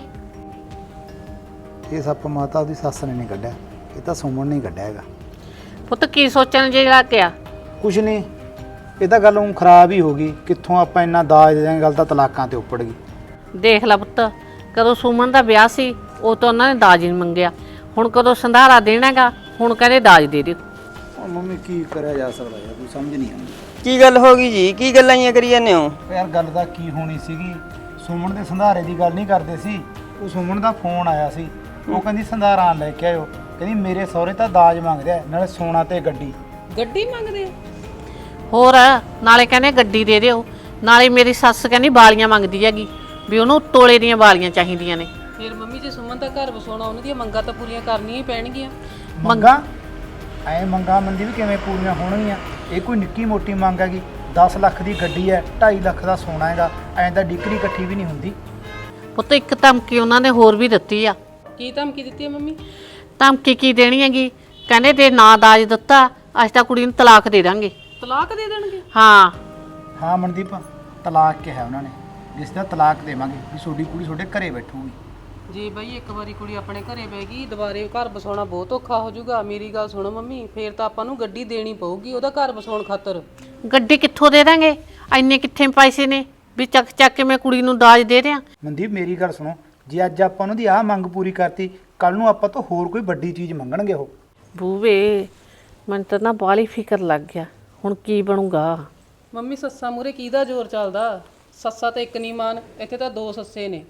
F: ਇਹ ਸੱਪ ਮਾਤਾ ਉਹਦੀ ਸੱਸ ਨੇ ਨਹੀਂ ਕੱਢਿਆ, ਇਹ ਤਾਂ ਸੁਮਨ ਨੇ ਹੀ ਕੱਢਿਆ ਹੈਗਾ।
D: ਪੁੱਤ ਕੀ ਸੋਚਣ ਜੇ ਲੱਗ ਗਿਆ?
F: ਕੁਛ ਨਹੀਂ, ਇਹ ਤਾਂ ਗੱਲ ਹੁਣ ਖਰਾਬ ਹੀ ਹੋ ਗਈ। ਕਿੱਥੋਂ ਆਪਾਂ ਇੰਨਾ ਦਾਜ ਦੇ ਦਾਂਗੇ, ਗੱਲ ਤਾਂ ਤਲਾਕਾਂ ਤੇ ਉੱਪੜ ਗਈ।
D: ਦੇਖ ਲੈ ਪੁੱਤ, ਕਦੋਂ ਸੁਮਨ ਦਾ ਵਿਆਹ ਸੀ ਉਹ ਤਾਂ ਉਹਨਾਂ ਨੇ ਦਾਜ ਨਹੀਂ ਮੰਗਿਆ। ਹੁਣ ਕਦੋਂ ਸੰਧਾਰਾ ਦੇਣਾਗਾ, ਹੁਣ ਕਹਿੰਦੇ ਦਾਜ ਦੇ ਦਿਓ।
F: ਉਹ ਮੰਮੀ ਕੀ ਕਰਿਆ ਜਾ ਸਕਦਾ ਯਾਰ, ਕੋਈ ਸਮਝ ਨਹੀਂ ਆਉਂਦੀ।
E: ਕੀ ਗੱਲ ਹੋ ਗਈ ਜੀ? ਕੀ ਗੱਲਾਂ ਹੀ ਕਰੀ ਜਾਂਦੇ ਹੋ?
F: ਯਾਰ ਗੱਲ ਤਾਂ ਕੀ ਹੋਣੀ ਸੀਗੀ, ਸੁਮਨ ਦੇ ਸੰਧਾਰੇ ਦੀ ਗੱਲ ਨਹੀਂ ਕਰਦੇ ਸੀ। ਉਹ ਸੁਮਨ ਦਾ ਫੋਨ ਆਇਆ ਸੀ, ਉਹ ਕਹਿੰਦੀ ਸੰਧਾਰਾ ਲੈ ਕੇ ਆਇਓ। ਕਹਿੰਦੀ ਮੇਰੇ ਸਹੁਰੇ ਤਾਂ ਦਾਜ ਮੰਗਦੇ ਆ, ਨਾਲੇ ਸੋਨਾ ਤੇ ਗੱਡੀ।
C: ਗੱਡੀ ਮੰਗਦੇ ਆ?
D: ਹੋਰ ਨਾਲੇ ਕਹਿੰਦੇ ਗੱਡੀ ਦੇ ਦਿਓ, ਨਾਲੇ ਮੇਰੀ ਸੱਸ ਕਹਿੰਦੀ ਵਾਲੀਆਂ ਮੰਗਦੀ ਹੈਗੀ ਵੀ ਉਹਨੂੰ ਤੋਲੇ ਦੀਆਂ ਵਾਲੀਆਂ ਚਾਹੀਦੀਆਂ ਨੇ।
C: ਫਿਰ ਮੰਮੀ ਜੇ ਸੁਮਨ ਦਾ ਘਰ ਵਸਾਉਣਾ, ਉਹਨਾਂ ਦੀਆਂ ਮੰਗਾਂ ਤਾਂ ਪੂਰੀਆਂ ਕਰਨੀਆਂ ਹੀ ਪੈਣਗੀਆਂ।
F: ਮੰਗਾ ਐ ਮੰਗਾ ਮੰਦੀ ਵੀ ਕਿਵੇਂ ਪੂਰੀਆਂ ਹੋਣਗੀਆਂ? ਇਹ ਕੋਈ ਨਿੱਕੀ ਮੋਟੀ ਮੰਗ ਹੈਗੀ? 10 ਲੱਖ ਦੀ ਗੱਡੀ ਹੈ, 2.5 ਲੱਖ ਦਾ ਸੋਨਾ ਹੈਗਾ, ਐਂ ਤਾਂ ਡਿਕਰੀ ਇਕੱਠੀ ਵੀ ਨਹੀਂ ਹੁੰਦੀ।
D: ਪੁੱਤ ਇੱਕ ਧਮਕੀ ਉਹਨਾਂ ਨੇ ਹੋਰ ਵੀ ਦਿੱਤੀ ਆ।
C: ਕੀ ਧਮਕੀ ਦਿੱਤੀ ਹੈ ਮੰਮੀ?
D: ਧਮਕੀ ਕੀ ਦੇਣੀ ਹੈਗੀ? ਕਹਿੰਦੇ ਜੇ ਨਾ ਦਾਜ ਦਿੱਤਾ ਅਸੀਂ ਤਾਂ ਕੁੜੀ ਨੂੰ ਤਲਾਕ ਦੇ ਦਾਂਗੇ।
C: ਤਲਾਕ ਦੇ ਦੇਣਗੇ?
D: ਹਾਂ
F: ਹਾਂ ਮਨਦੀਪ, ਤਲਾਕ ਕਿਹਾ ਉਹਨਾਂ ਨੇ, ਜਿਸ ਦਾ ਤਲਾਕ ਦੇਵਾਂਗੇ ਵੀ ਤੁਹਾਡੀ ਕੁੜੀ ਤੁਹਾਡੇ ਘਰੇ ਬੈਠੂਗੀ।
C: ਜੇ ਬਈ ਇੱਕ ਵਾਰੀ ਕੁੜੀ ਆਪਣੇ ਘਰੇ ਬਹਿ ਗਈ, ਦੁਬਾਰੇ ਘਰ ਵਸਾਉਣਾ ਬਹੁਤ ਔਖਾ ਹੋ ਜਾਊਗਾ। ਮੇਰੀ ਗੱਲ ਸੁਣੋ ਮੰਮੀ, ਫੇਰ ਤਾਂ ਆਪਾਂ ਨੂੰ ਗੱਡੀ ਦੇਣੀ ਪਊਗੀ ਉਹਦਾ ਘਰ ਵਸਾਉਣ ਖਾਤਰ।
D: ਗੱਡੀ ਕਿੱਥੋਂ ਦੇ ਦਾਂਗੇ? ਇੰਨੇ ਕਿੱਥੇ ਪੈਸੇ ਨੇ ਵੀ ਚੱਕ ਚੱਕ ਕੇ ਮੈਂ ਕੁੜੀ ਨੂੰ ਦਾਜ ਦੇ ਦਿਆਂ?
F: ਮਨਦੀਪ ਮੇਰੀ ਗੱਲ ਸੁਣੋ, ਜੇ ਅੱਜ ਆਪਾਂ ਉਹਨਾਂ ਦੀ ਆਹ ਮੰਗ ਪੂਰੀ ਕਰਤੀ, ਕੱਲ ਨੂੰ ਆਪਾਂ ਤੋਂ ਹੋਰ ਕੋਈ ਵੱਡੀ ਚੀਜ਼ ਮੰਗਣਗੇ ਉਹ।
D: ਬੂਵੇ ਮੈਨੂੰ ਤਾਂ ਨਾ ਬਾਹਲੀ ਫਿਕਰ ਲੱਗ ਗਿਆ, ਹੁਣ ਕੀ ਬਣੂਗਾ?
C: ਮੰਮੀ ਸੱਸਾਂ ਮੂਰੇ ਕਿਹਦਾ ਜ਼ੋਰ ਚੱਲਦਾ? ਸੱਸਾਂ ਤਾਂ ਇੱਕ ਨਹੀਂ ਮਾਨ, ਇੱਥੇ ਤਾਂ ਦੋ ਸੱਸੇ ਨੇ।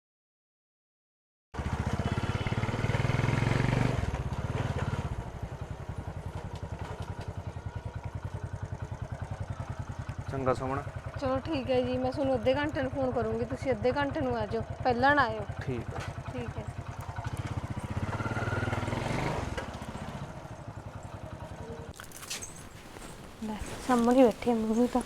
G: ਚੰਗਾ ਸੁਮਨ।
A: ਚਲੋ ਠੀਕ ਹੈ ਜੀ, ਮੈਂ ਤੁਹਾਨੂੰ ਅੱਧੇ ਘੰਟੇ ਨੂੰ ਫੋਨ ਕਰੂੰਗੀ, ਤੁਸੀਂ ਅੱਧੇ ਘੰਟੇ ਨੂੰ ਆ ਜਾਓ, ਪਹਿਲਾਂ ਨਾ ਆਇਓ।
G: ਠੀਕ ਹੈ।
A: ਠੀਕ ਹੈ। ਲੈ ਸਾਹਮਣੇ ਬੈਠੀ ਆ ਮੰਮੀ ਤਾਂ।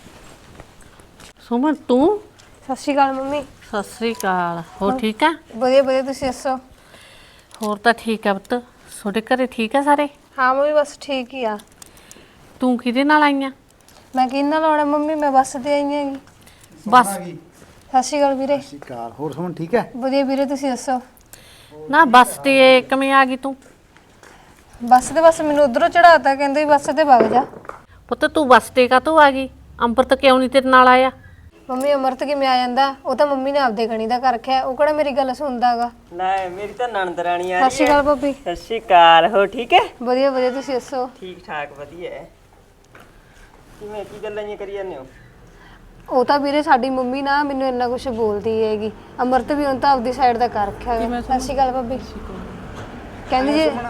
D: ਸੁਮਨ ਤੂੰ?
A: ਸਤਿ ਸ਼੍ਰੀ ਅਕਾਲ ਮੰਮੀ।
D: ਸਤਿ ਸ੍ਰੀ ਅਕਾਲ। ਹੋਰ ਠੀਕ ਆ?
A: ਵਧੀਆ ਵਧੀਆ, ਤੁਸੀਂ ਦੱਸੋ?
D: ਹੋਰ ਤਾਂ ਠੀਕ ਆ ਪੁੱਤ। ਤੁਹਾਡੇ ਘਰੇ ਠੀਕ ਆ ਸਾਰੇ?
A: ਹਾਂ ਮੰਮੀ ਬਸ ਠੀਕ ਹੀ ਆ।
D: ਤੂੰ ਕਿਹਦੇ ਨਾਲ ਆਈਆਂ?
A: ਮੈਂ ਕਿਹਦੇ ਨਾਲ ਆਉਣਾ ਮੰਮੀ, ਮੈਂ ਬੱਸ ਤੇ ਆਈ ਹੈਗੀ।
D: ਬਸ।
A: ਸਤਿ ਸ਼੍ਰੀ ਅਕਾਲ ਵੀਰੇ।
F: ਸਤਿ ਸ਼੍ਰੀ ਅਕਾਲ। ਹੋਰ ਸੁਮਨ ਠੀਕ ਹੈ?
A: ਵਧੀਆ ਵੀਰੇ, ਤੁਸੀਂ ਦੱਸੋ?
D: ਨਾ ਬੱਸ ਤੇ ਕਿਵੇਂ ਆ ਗਈ ਤੂੰ?
A: ਬੱਸ ਮੈਨੂੰ ਉਧਰੋਂ ਚੜਾਤਾ, ਕਹਿੰਦੇ ਵੀ ਬੱਸ ਤੇ ਵਗ ਜਾ।
D: ਪੁੱਤ ਤੂੰ ਬੱਸ ਤੇ ਕਾਹਤੋਂ ਆ ਗਈ? ਅੰਮ੍ਰਿਤ ਕਿਉਂ ਨਹੀਂ ਤੇਰੇ ਨਾਲ ਆਇਆ?
A: ਮੰਮੀ ਅਮਰਤ ਕਿਵੇਂ ਆ ਜਾਂਦਾ? ਉਹ ਤਾਂ ਮੰਮੀ ਨੇ ਆਪਦੇ ਗਣੀ ਦਾ ਕਰ ਰੱਖਿਆ, ਉਹ ਕਿਹੜਾ ਮੇਰੀ ਗੱਲ ਸੁਣਦਾਗਾ।
E: ਲੈ ਮੇਰੀ ਤਾਂ ਨਣਦ ਰਾਣੀ ਆ
A: ਸਤਿ ਸ਼੍ਰੀ ਅਕਾਲ ਭਾਬੀ।
E: ਸਤਿ ਸ਼੍ਰੀ ਅਕਾਲ। ਹੋ ਠੀਕ ਹੈ?
A: ਵਧੀਆ ਵਧੀਆ, ਤੁਸੀਂ ਦੱਸੋ?
E: ਠੀਕ ਠਾਕ ਵਧੀਆ ਹੈ। ਕਿਵੇਂ ਕੀ ਗੱਲਾਂ ਹੀ ਕਰੀ ਜਾਂਦੇ ਹੋ?
A: ਉਹ ਤਾਂ ਵੀਰੇ ਸਾਡੀ ਮੰਮੀ ਨਾ ਮੈਨੂੰ ਇੰਨਾ ਕੁਝ ਬੋਲਦੀ ਹੈਗੀ। ਅਮਰਤ ਵੀ ਹੁਣ ਤਾਂ ਆਪਦੀ ਸਾਈਡ ਦਾ ਕਰ ਰੱਖਿਆ ਹੈਗਾ। ਸਤਿ ਸ਼੍ਰੀ ਅਕਾਲ ਭਾਬੀ। ਕਹਿੰਦੀ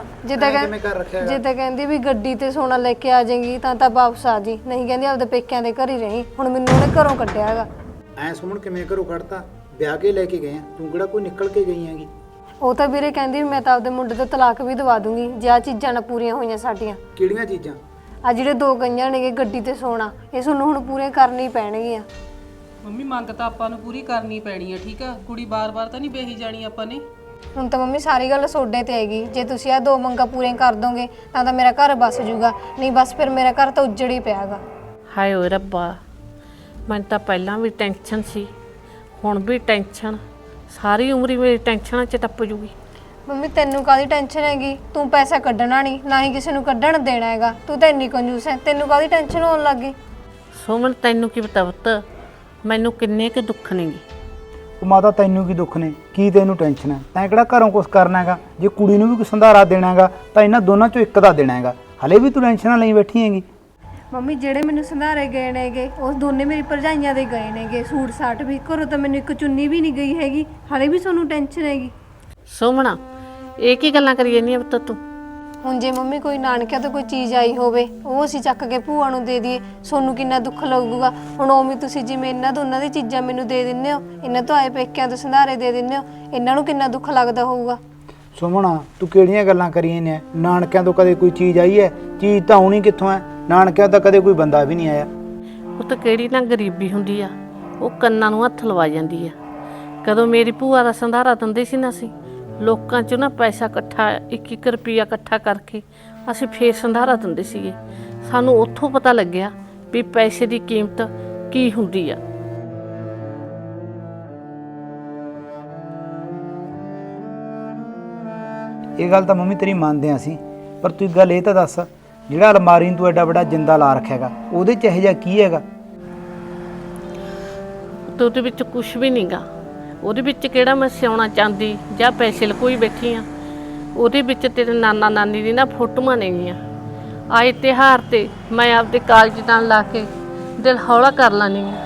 A: ਜੇ ਤਾਂ ਕਹਿੰਦੀ ਵੀ ਗੱਡੀ ਤੇ ਸੋਨਾ ਲੈ ਕੇ ਆ ਜਾਏਗੀ ਤਾਂ ਵਾਪਸ ਆ ਜੀ, ਨਹੀਂ ਕਹਿੰਦੀ ਆਪਦੇ ਪੇਕਿਆਂ ਦੇ ਘਰ ਹੀ ਰਹੀ। ਹੁਣ ਮੈਨੂੰ ਉਹਨੇ ਘਰੋਂ ਕੱਢਿਆ ਹੈਗਾ।
F: ਐ ਸੁਮਨ ਕਿਵੇਂ ਘਰੋਂ ਕੱਢਤਾ? ਵਿਆਹ ਕੇ ਲੈ ਕੇ ਗਏ ਆ, ਤੂੰ ਕਿਹੜਾ ਕੋਈ ਨਿਕਲ ਕੇ ਗਈ ਹੈਗੀ?
A: ਉਹ ਤਾਂ ਵੀਰੇ ਕਹਿੰਦੀ ਵੀ ਮੈਂ ਤਾਂ ਆਪਦੇ ਮੁੰਡੇ ਤੋਂ ਤਲਾਕ ਵੀ ਦਵਾ ਦੂੰਗੀ ਜੇ ਆਹ ਚੀਜ਼ਾਂ ਨਾ ਪੂਰੀਆਂ ਹੋਈਆਂ ਸਾਡੀਆਂ।
F: ਕਿਹੜੀਆਂ ਚੀਜ਼ਾਂ?
A: ਆ ਜਿਹੜੇ ਦੋ ਗਈਆਂ ਨੇਗੇ ਗੱਡੀ ਤੇ ਸੋਨਾ, ਇਹ ਤੁਹਾਨੂੰ ਹੁਣ ਪੂਰੀਆਂ ਕਰਨੀ ਪੈਣਗੀਆਂ।
C: ਮੰਮੀ ਮੰਗ ਤਾਂ ਆਪਾਂ ਨੂੰ ਪੂਰੀ ਕਰਨੀ ਪੈਣੀ ਹੈ, ਠੀਕ ਆ? ਕੁੜੀ ਬਾਰ-ਬਾਰ ਤਾਂ ਨਹੀਂ ਵੇਹੀ ਜਾਣੀ ਆਪਾਂ ਨੇ।
A: ਹੁਣ ਤਾਂ ਮੰਮੀ ਸਾਰੀ ਗੱਲ ਸੋਡੇ ਤੇ ਆਏਗੀ। ਜੇ ਤੁਸੀਂ ਆ ਦੋ ਮੰਗਾਂ ਪੂਰੀਆਂ ਕਰ ਦੋਗੇ ਤਾਂ ਮੇਰਾ ਘਰ ਬਸ ਜੂਗਾ, ਨਹੀਂ ਬਸ ਫਿਰ ਮੇਰਾ ਘਰ ਤਾਂ ਉੱਜੜ ਹੀ ਪਿਆਗਾ।
D: ਹਾਏ ਓਏ ਰੱਬਾ, ਮੈਨੂੰ ਤਾਂ ਪਹਿਲਾਂ ਵੀ ਟੈਨਸ਼ਨ ਸੀ, ਹੁਣ ਵੀ ਟੈਨਸ਼ਨ। ਸਾਰੀ ਉਮਰ ਹੀ ਮੇਰੀ ਟੈਨਸ਼ਨਾਂ 'ਚ ਟੱਪ ਜੂਗੀ।
A: ਮੰਮੀ ਤੈਨੂੰ ਕਾਹਦੀ ਟੈਨਸ਼ਨ ਹੈਗੀ? ਤੂੰ ਪੈਸਾ ਕੱਢਣਾ ਨਹੀਂ, ਨਾ ਹੀ ਕਿਸੇ ਨੂੰ ਕੱਢਣ ਦੇਣਾ ਹੈਗਾ। ਤੂੰ ਤਾਂ ਇੰਨੀ ਕੰਜੂਸ ਹੈ, ਤੈਨੂੰ ਕਾਹਦੀ ਟੈਨਸ਼ਨ ਹੋਣ ਲੱਗ ਗਈ?
D: ਸੁਮਨ ਤੈਨੂੰ ਕੀ ਪਤਾ ਪੁੱਤ, ਮੈਨੂੰ ਕਿੰਨੇ ਕੁ ਦੁੱਖ ਨੇਗੇ।
F: ਉਹ ਮਾਤਾ ਤੈਨੂੰ ਕੀ ਦੁੱਖ ਨੇ, ਕੀ ਤੈਨੂੰ ਟੈਨਸ਼ਨ ਹੈ? ਤੈਂ ਕਿਹੜਾ ਘਰੋਂ ਕੁਛ ਕਰਨਾ ਹੈਗਾ? ਜੇ ਕੁੜੀ ਨੂੰ ਵੀ ਕੋਈ ਸੰਧਾਰਾ ਦੇਣਾ ਹੈਗਾ ਤਾਂ ਇਹਨਾਂ ਦੋਨਾਂ ਚੋਂ ਇੱਕ ਦਾ ਦੇਣਾ ਹੈਗਾ। ਹਲੇ ਵੀ ਤੂੰ ਟੈਨਸ਼ਨ ਨਾਲ ਲਈ ਬੈਠੀ ਹੈਗੀ।
A: ਮੰਮੀ ਜਿਹੜੇ ਮੈਨੂੰ ਸੰਧਾਰੇ ਗਏ ਨੇਗੇ ਉਹ ਦੋਨੇ ਮੇਰੀ ਭਰਜਾਈਆਂ ਦੇ ਗਏ ਨੇਗੇ, ਸੂਟ ਸਾਟ ਵੀ। ਘਰੋਂ ਤਾਂ ਮੈਨੂੰ ਇੱਕ ਚੁੰਨੀ ਵੀ ਨਹੀਂ ਗਈ ਹੈਗੀ, ਹਾਲੇ ਵੀ ਤੁਹਾਨੂੰ ਟੈਨਸ਼ਨ ਹੈਗੀ।
D: ਸੁਮਣਾ ਇਹ ਕੀ ਗੱਲਾਂ ਕਰੀ ਜਾਂਦੀ ਆ ਪੁੱਤ ਤੂੰ?
A: ਹੁਣ ਜੇ ਮੰਮੀ ਕੋਈ ਨਾਨਕਿਆਂ ਤੋਂ ਕੋਈ ਚੀਜ਼ ਆਈ ਹੋਵੇ ਉਹ ਅਸੀਂ ਚੱਕ ਕੇ ਭੂਆ ਨੂੰ ਦੇ ਦਈਏ, ਸੋਨੂੰ ਕਿੰਨਾ ਦੁੱਖ ਲੱਗੂਗਾ। ਹੁਣ ਉਵੇਂ ਤੁਸੀਂ ਜਿਵੇਂ ਇਹਨਾਂ ਦੋਨਾਂ ਦੀ ਚੀਜ਼ਾਂ ਮੈਨੂੰ ਦੇ ਦਿੰਦੇ ਹੋ, ਇਹਨਾਂ ਤੋਂ ਆਏ ਪੇਕਿਆਂ ਤੋਂ ਸੰਧਾਰੇ ਦੇ ਦਿੰਦੇ ਹੋ, ਇਹਨਾਂ ਨੂੰ ਕਿੰਨਾ ਦੁੱਖ ਲੱਗਦਾ ਹੋਊਗਾ।
F: ਸੁਮਣਾ ਤੂੰ ਕਿਹੜੀਆਂ ਗੱਲਾਂ ਕਰੀਆਂ ਨੇ? ਨਾਨਕਿਆਂ ਤੋਂ ਕਦੇ ਕੋਈ ਚੀਜ਼ ਆਈ ਹੈ? ਚੀਜ਼ ਤਾਂ ਆਉਣੀ ਕਿੱਥੋਂ ਹੈ? ਨਾਨਕਿਆਂ ਤੋਂ ਕਦੇ ਕੋਈ ਬੰਦਾ ਵੀ ਨਹੀਂ ਆਇਆ।
D: ਉਹ ਤਾਂ ਕਿਹੜੀ ਨਾ ਗਰੀਬੀ ਹੁੰਦੀ ਆ, ਉਹ ਕੰਨਾਂ ਨੂੰ ਹੱਥ ਲਵਾ ਜਾਂਦੀ ਆ। ਕਦੋਂ ਮੇਰੀ ਭੂਆ ਦਾ ਸੰਧਾਰਾ ਦਿੰਦੇ ਸੀ ਨਾ, ਅਸੀਂ ਲੋਕਾਂ 'ਚੋਂ ਨਾ ਪੈਸਾ ਇਕੱਠਾ 1-1 ਰੁਪਈਆ ਇਕੱਠਾ ਕਰਕੇ ਅਸੀਂ ਫੇਰ ਸੰਧਾਰਾ ਦਿੰਦੇ ਸੀਗੇ। ਸਾਨੂੰ ਉੱਥੋਂ ਪਤਾ ਲੱਗਿਆ ਵੀ ਪੈਸੇ ਦੀ ਕੀਮਤ ਕੀ ਹੁੰਦੀ ਆ।
F: ਇਹ ਗੱਲ ਤਾਂ ਮੰਮੀ ਤੇਰੀ ਮੰਨਦੇ ਹਾਂ ਅਸੀਂ, ਪਰ ਤੂੰ ਇੱਕ ਗੱਲ ਇਹ ਤਾਂ ਦੱਸ, ਜਿਹੜਾ ਅਲਮਾਰੀ ਨੂੰ ਤੂੰ ਐਡਾ ਵੱਡਾ ਜਿੰਦਾ ਲਾ ਰੱਖਿਆ ਹੈਗਾ, ਉਹਦੇ 'ਚ ਇਹੋ ਜਿਹਾ ਕੀ ਹੈਗਾ?
D: ਤੇ ਉਹਦੇ ਵਿੱਚ ਕੁਝ ਵੀ ਨਹੀਂਗਾ। ਉਹਦੇ ਵਿੱਚ ਕਿਹੜਾ ਮੈਂ ਸਿਉਣਾ ਚਾਂਦੀ ਜਾਂ ਪੈਸੇ ਲਕੋਈ ਬੈਠੀ ਆ। ਉਹਦੇ ਵਿੱਚ ਤੇਰੇ ਨਾਨਾ ਨਾਨੀ ਦੀ ਨਾ ਫੋਟੋਆਂ ਨੇਗੀਆਂ। ਆਏ ਤਿਉਹਾਰ ਤੇ ਮੈਂ ਆਪਦੇ ਕਾਲਜ ਨਾਲ ਲਾ ਕੇ ਦਿਲ ਹੌਲਾ ਕਰ ਲਾਨੀ ਆ।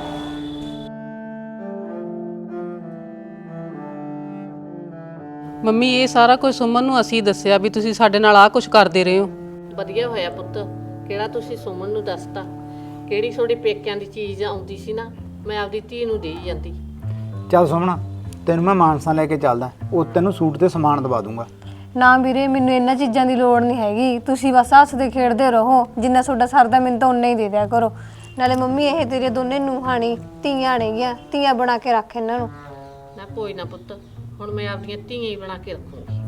C: ਮੰਮੀ ਇਹ ਸਾਰਾ ਕੁਝ ਸੁਮਨ ਨੂੰ ਅਸੀਂ ਦੱਸਿਆ ਵੀ ਤੁਸੀਂ ਸਾਡੇ ਨਾਲ ਆਹ ਕੁਝ ਕਰਦੇ ਰਹੇ ਹੋ।
D: ਵਧੀਆ ਹੋਇਆ ਪੁੱਤ, ਕਿਹੜਾ ਤੁਸੀਂ ਸੁਮਨ ਨੂੰ ਦੱਸਤਾ। ਕਿਹੜੀ ਤੁਹਾਡੇ ਪੇਕਿਆਂ ਦੀ ਚੀਜ਼ ਆਉਂਦੀ ਸੀ ਨਾ, ਮੈਂ ਆਪਦੀ ਧੀ ਨੂੰ ਦੇਈ ਜਾਂਦੀ।
F: ਚੱਲ ਸੁਮਣਾ, ਤੈਨੂੰ ਮੈਂ ਮਾਨਸਾ ਲੈ ਕੇ ਚੱਲਦਾ, ਉਹ ਤੈਨੂੰ ਸੂਟ ਤੇ ਸਮਾਨ ਦਵਾ ਦੂੰਗਾ।
A: ਨਾ ਵੀਰੇ, ਮੈਨੂੰ ਇਹਨਾਂ ਚੀਜ਼ਾਂ ਦੀ ਲੋੜ ਨਹੀਂ ਹੈਗੀ। ਤੁਸੀਂ ਬਸ ਹੱਸਦੇ ਖੇਡਦੇ ਰਹੋ, ਜਿੰਨਾ ਤੁਹਾਡਾ ਸਰਦਾ ਮੈਨੂੰ ਤਾਂ ਉਨਾ ਹੀ ਦੇ ਦਿਆ ਕਰੋ। ਨਾਲੇ ਮੰਮੀ ਇਹ ਤੇਰੇ ਦੋਨੇ ਨੂੰਹਾਣੀ ਧੀਆਂ ਨੇਗੀਆਂ, ਧੀਆਂ ਬਣਾ ਕੇ ਰੱਖ ਇਹਨਾਂ ਨੂੰ।
D: ਨਾ ਕੋਈ ਨਾ ਪੁੱਤ, ਹੁਣ ਮੈਂ ਆਪਦੀਆਂ ਧੀਆਂ ਹੀ ਬਣਾ ਕੇ ਰੱਖੂੰਗੀ।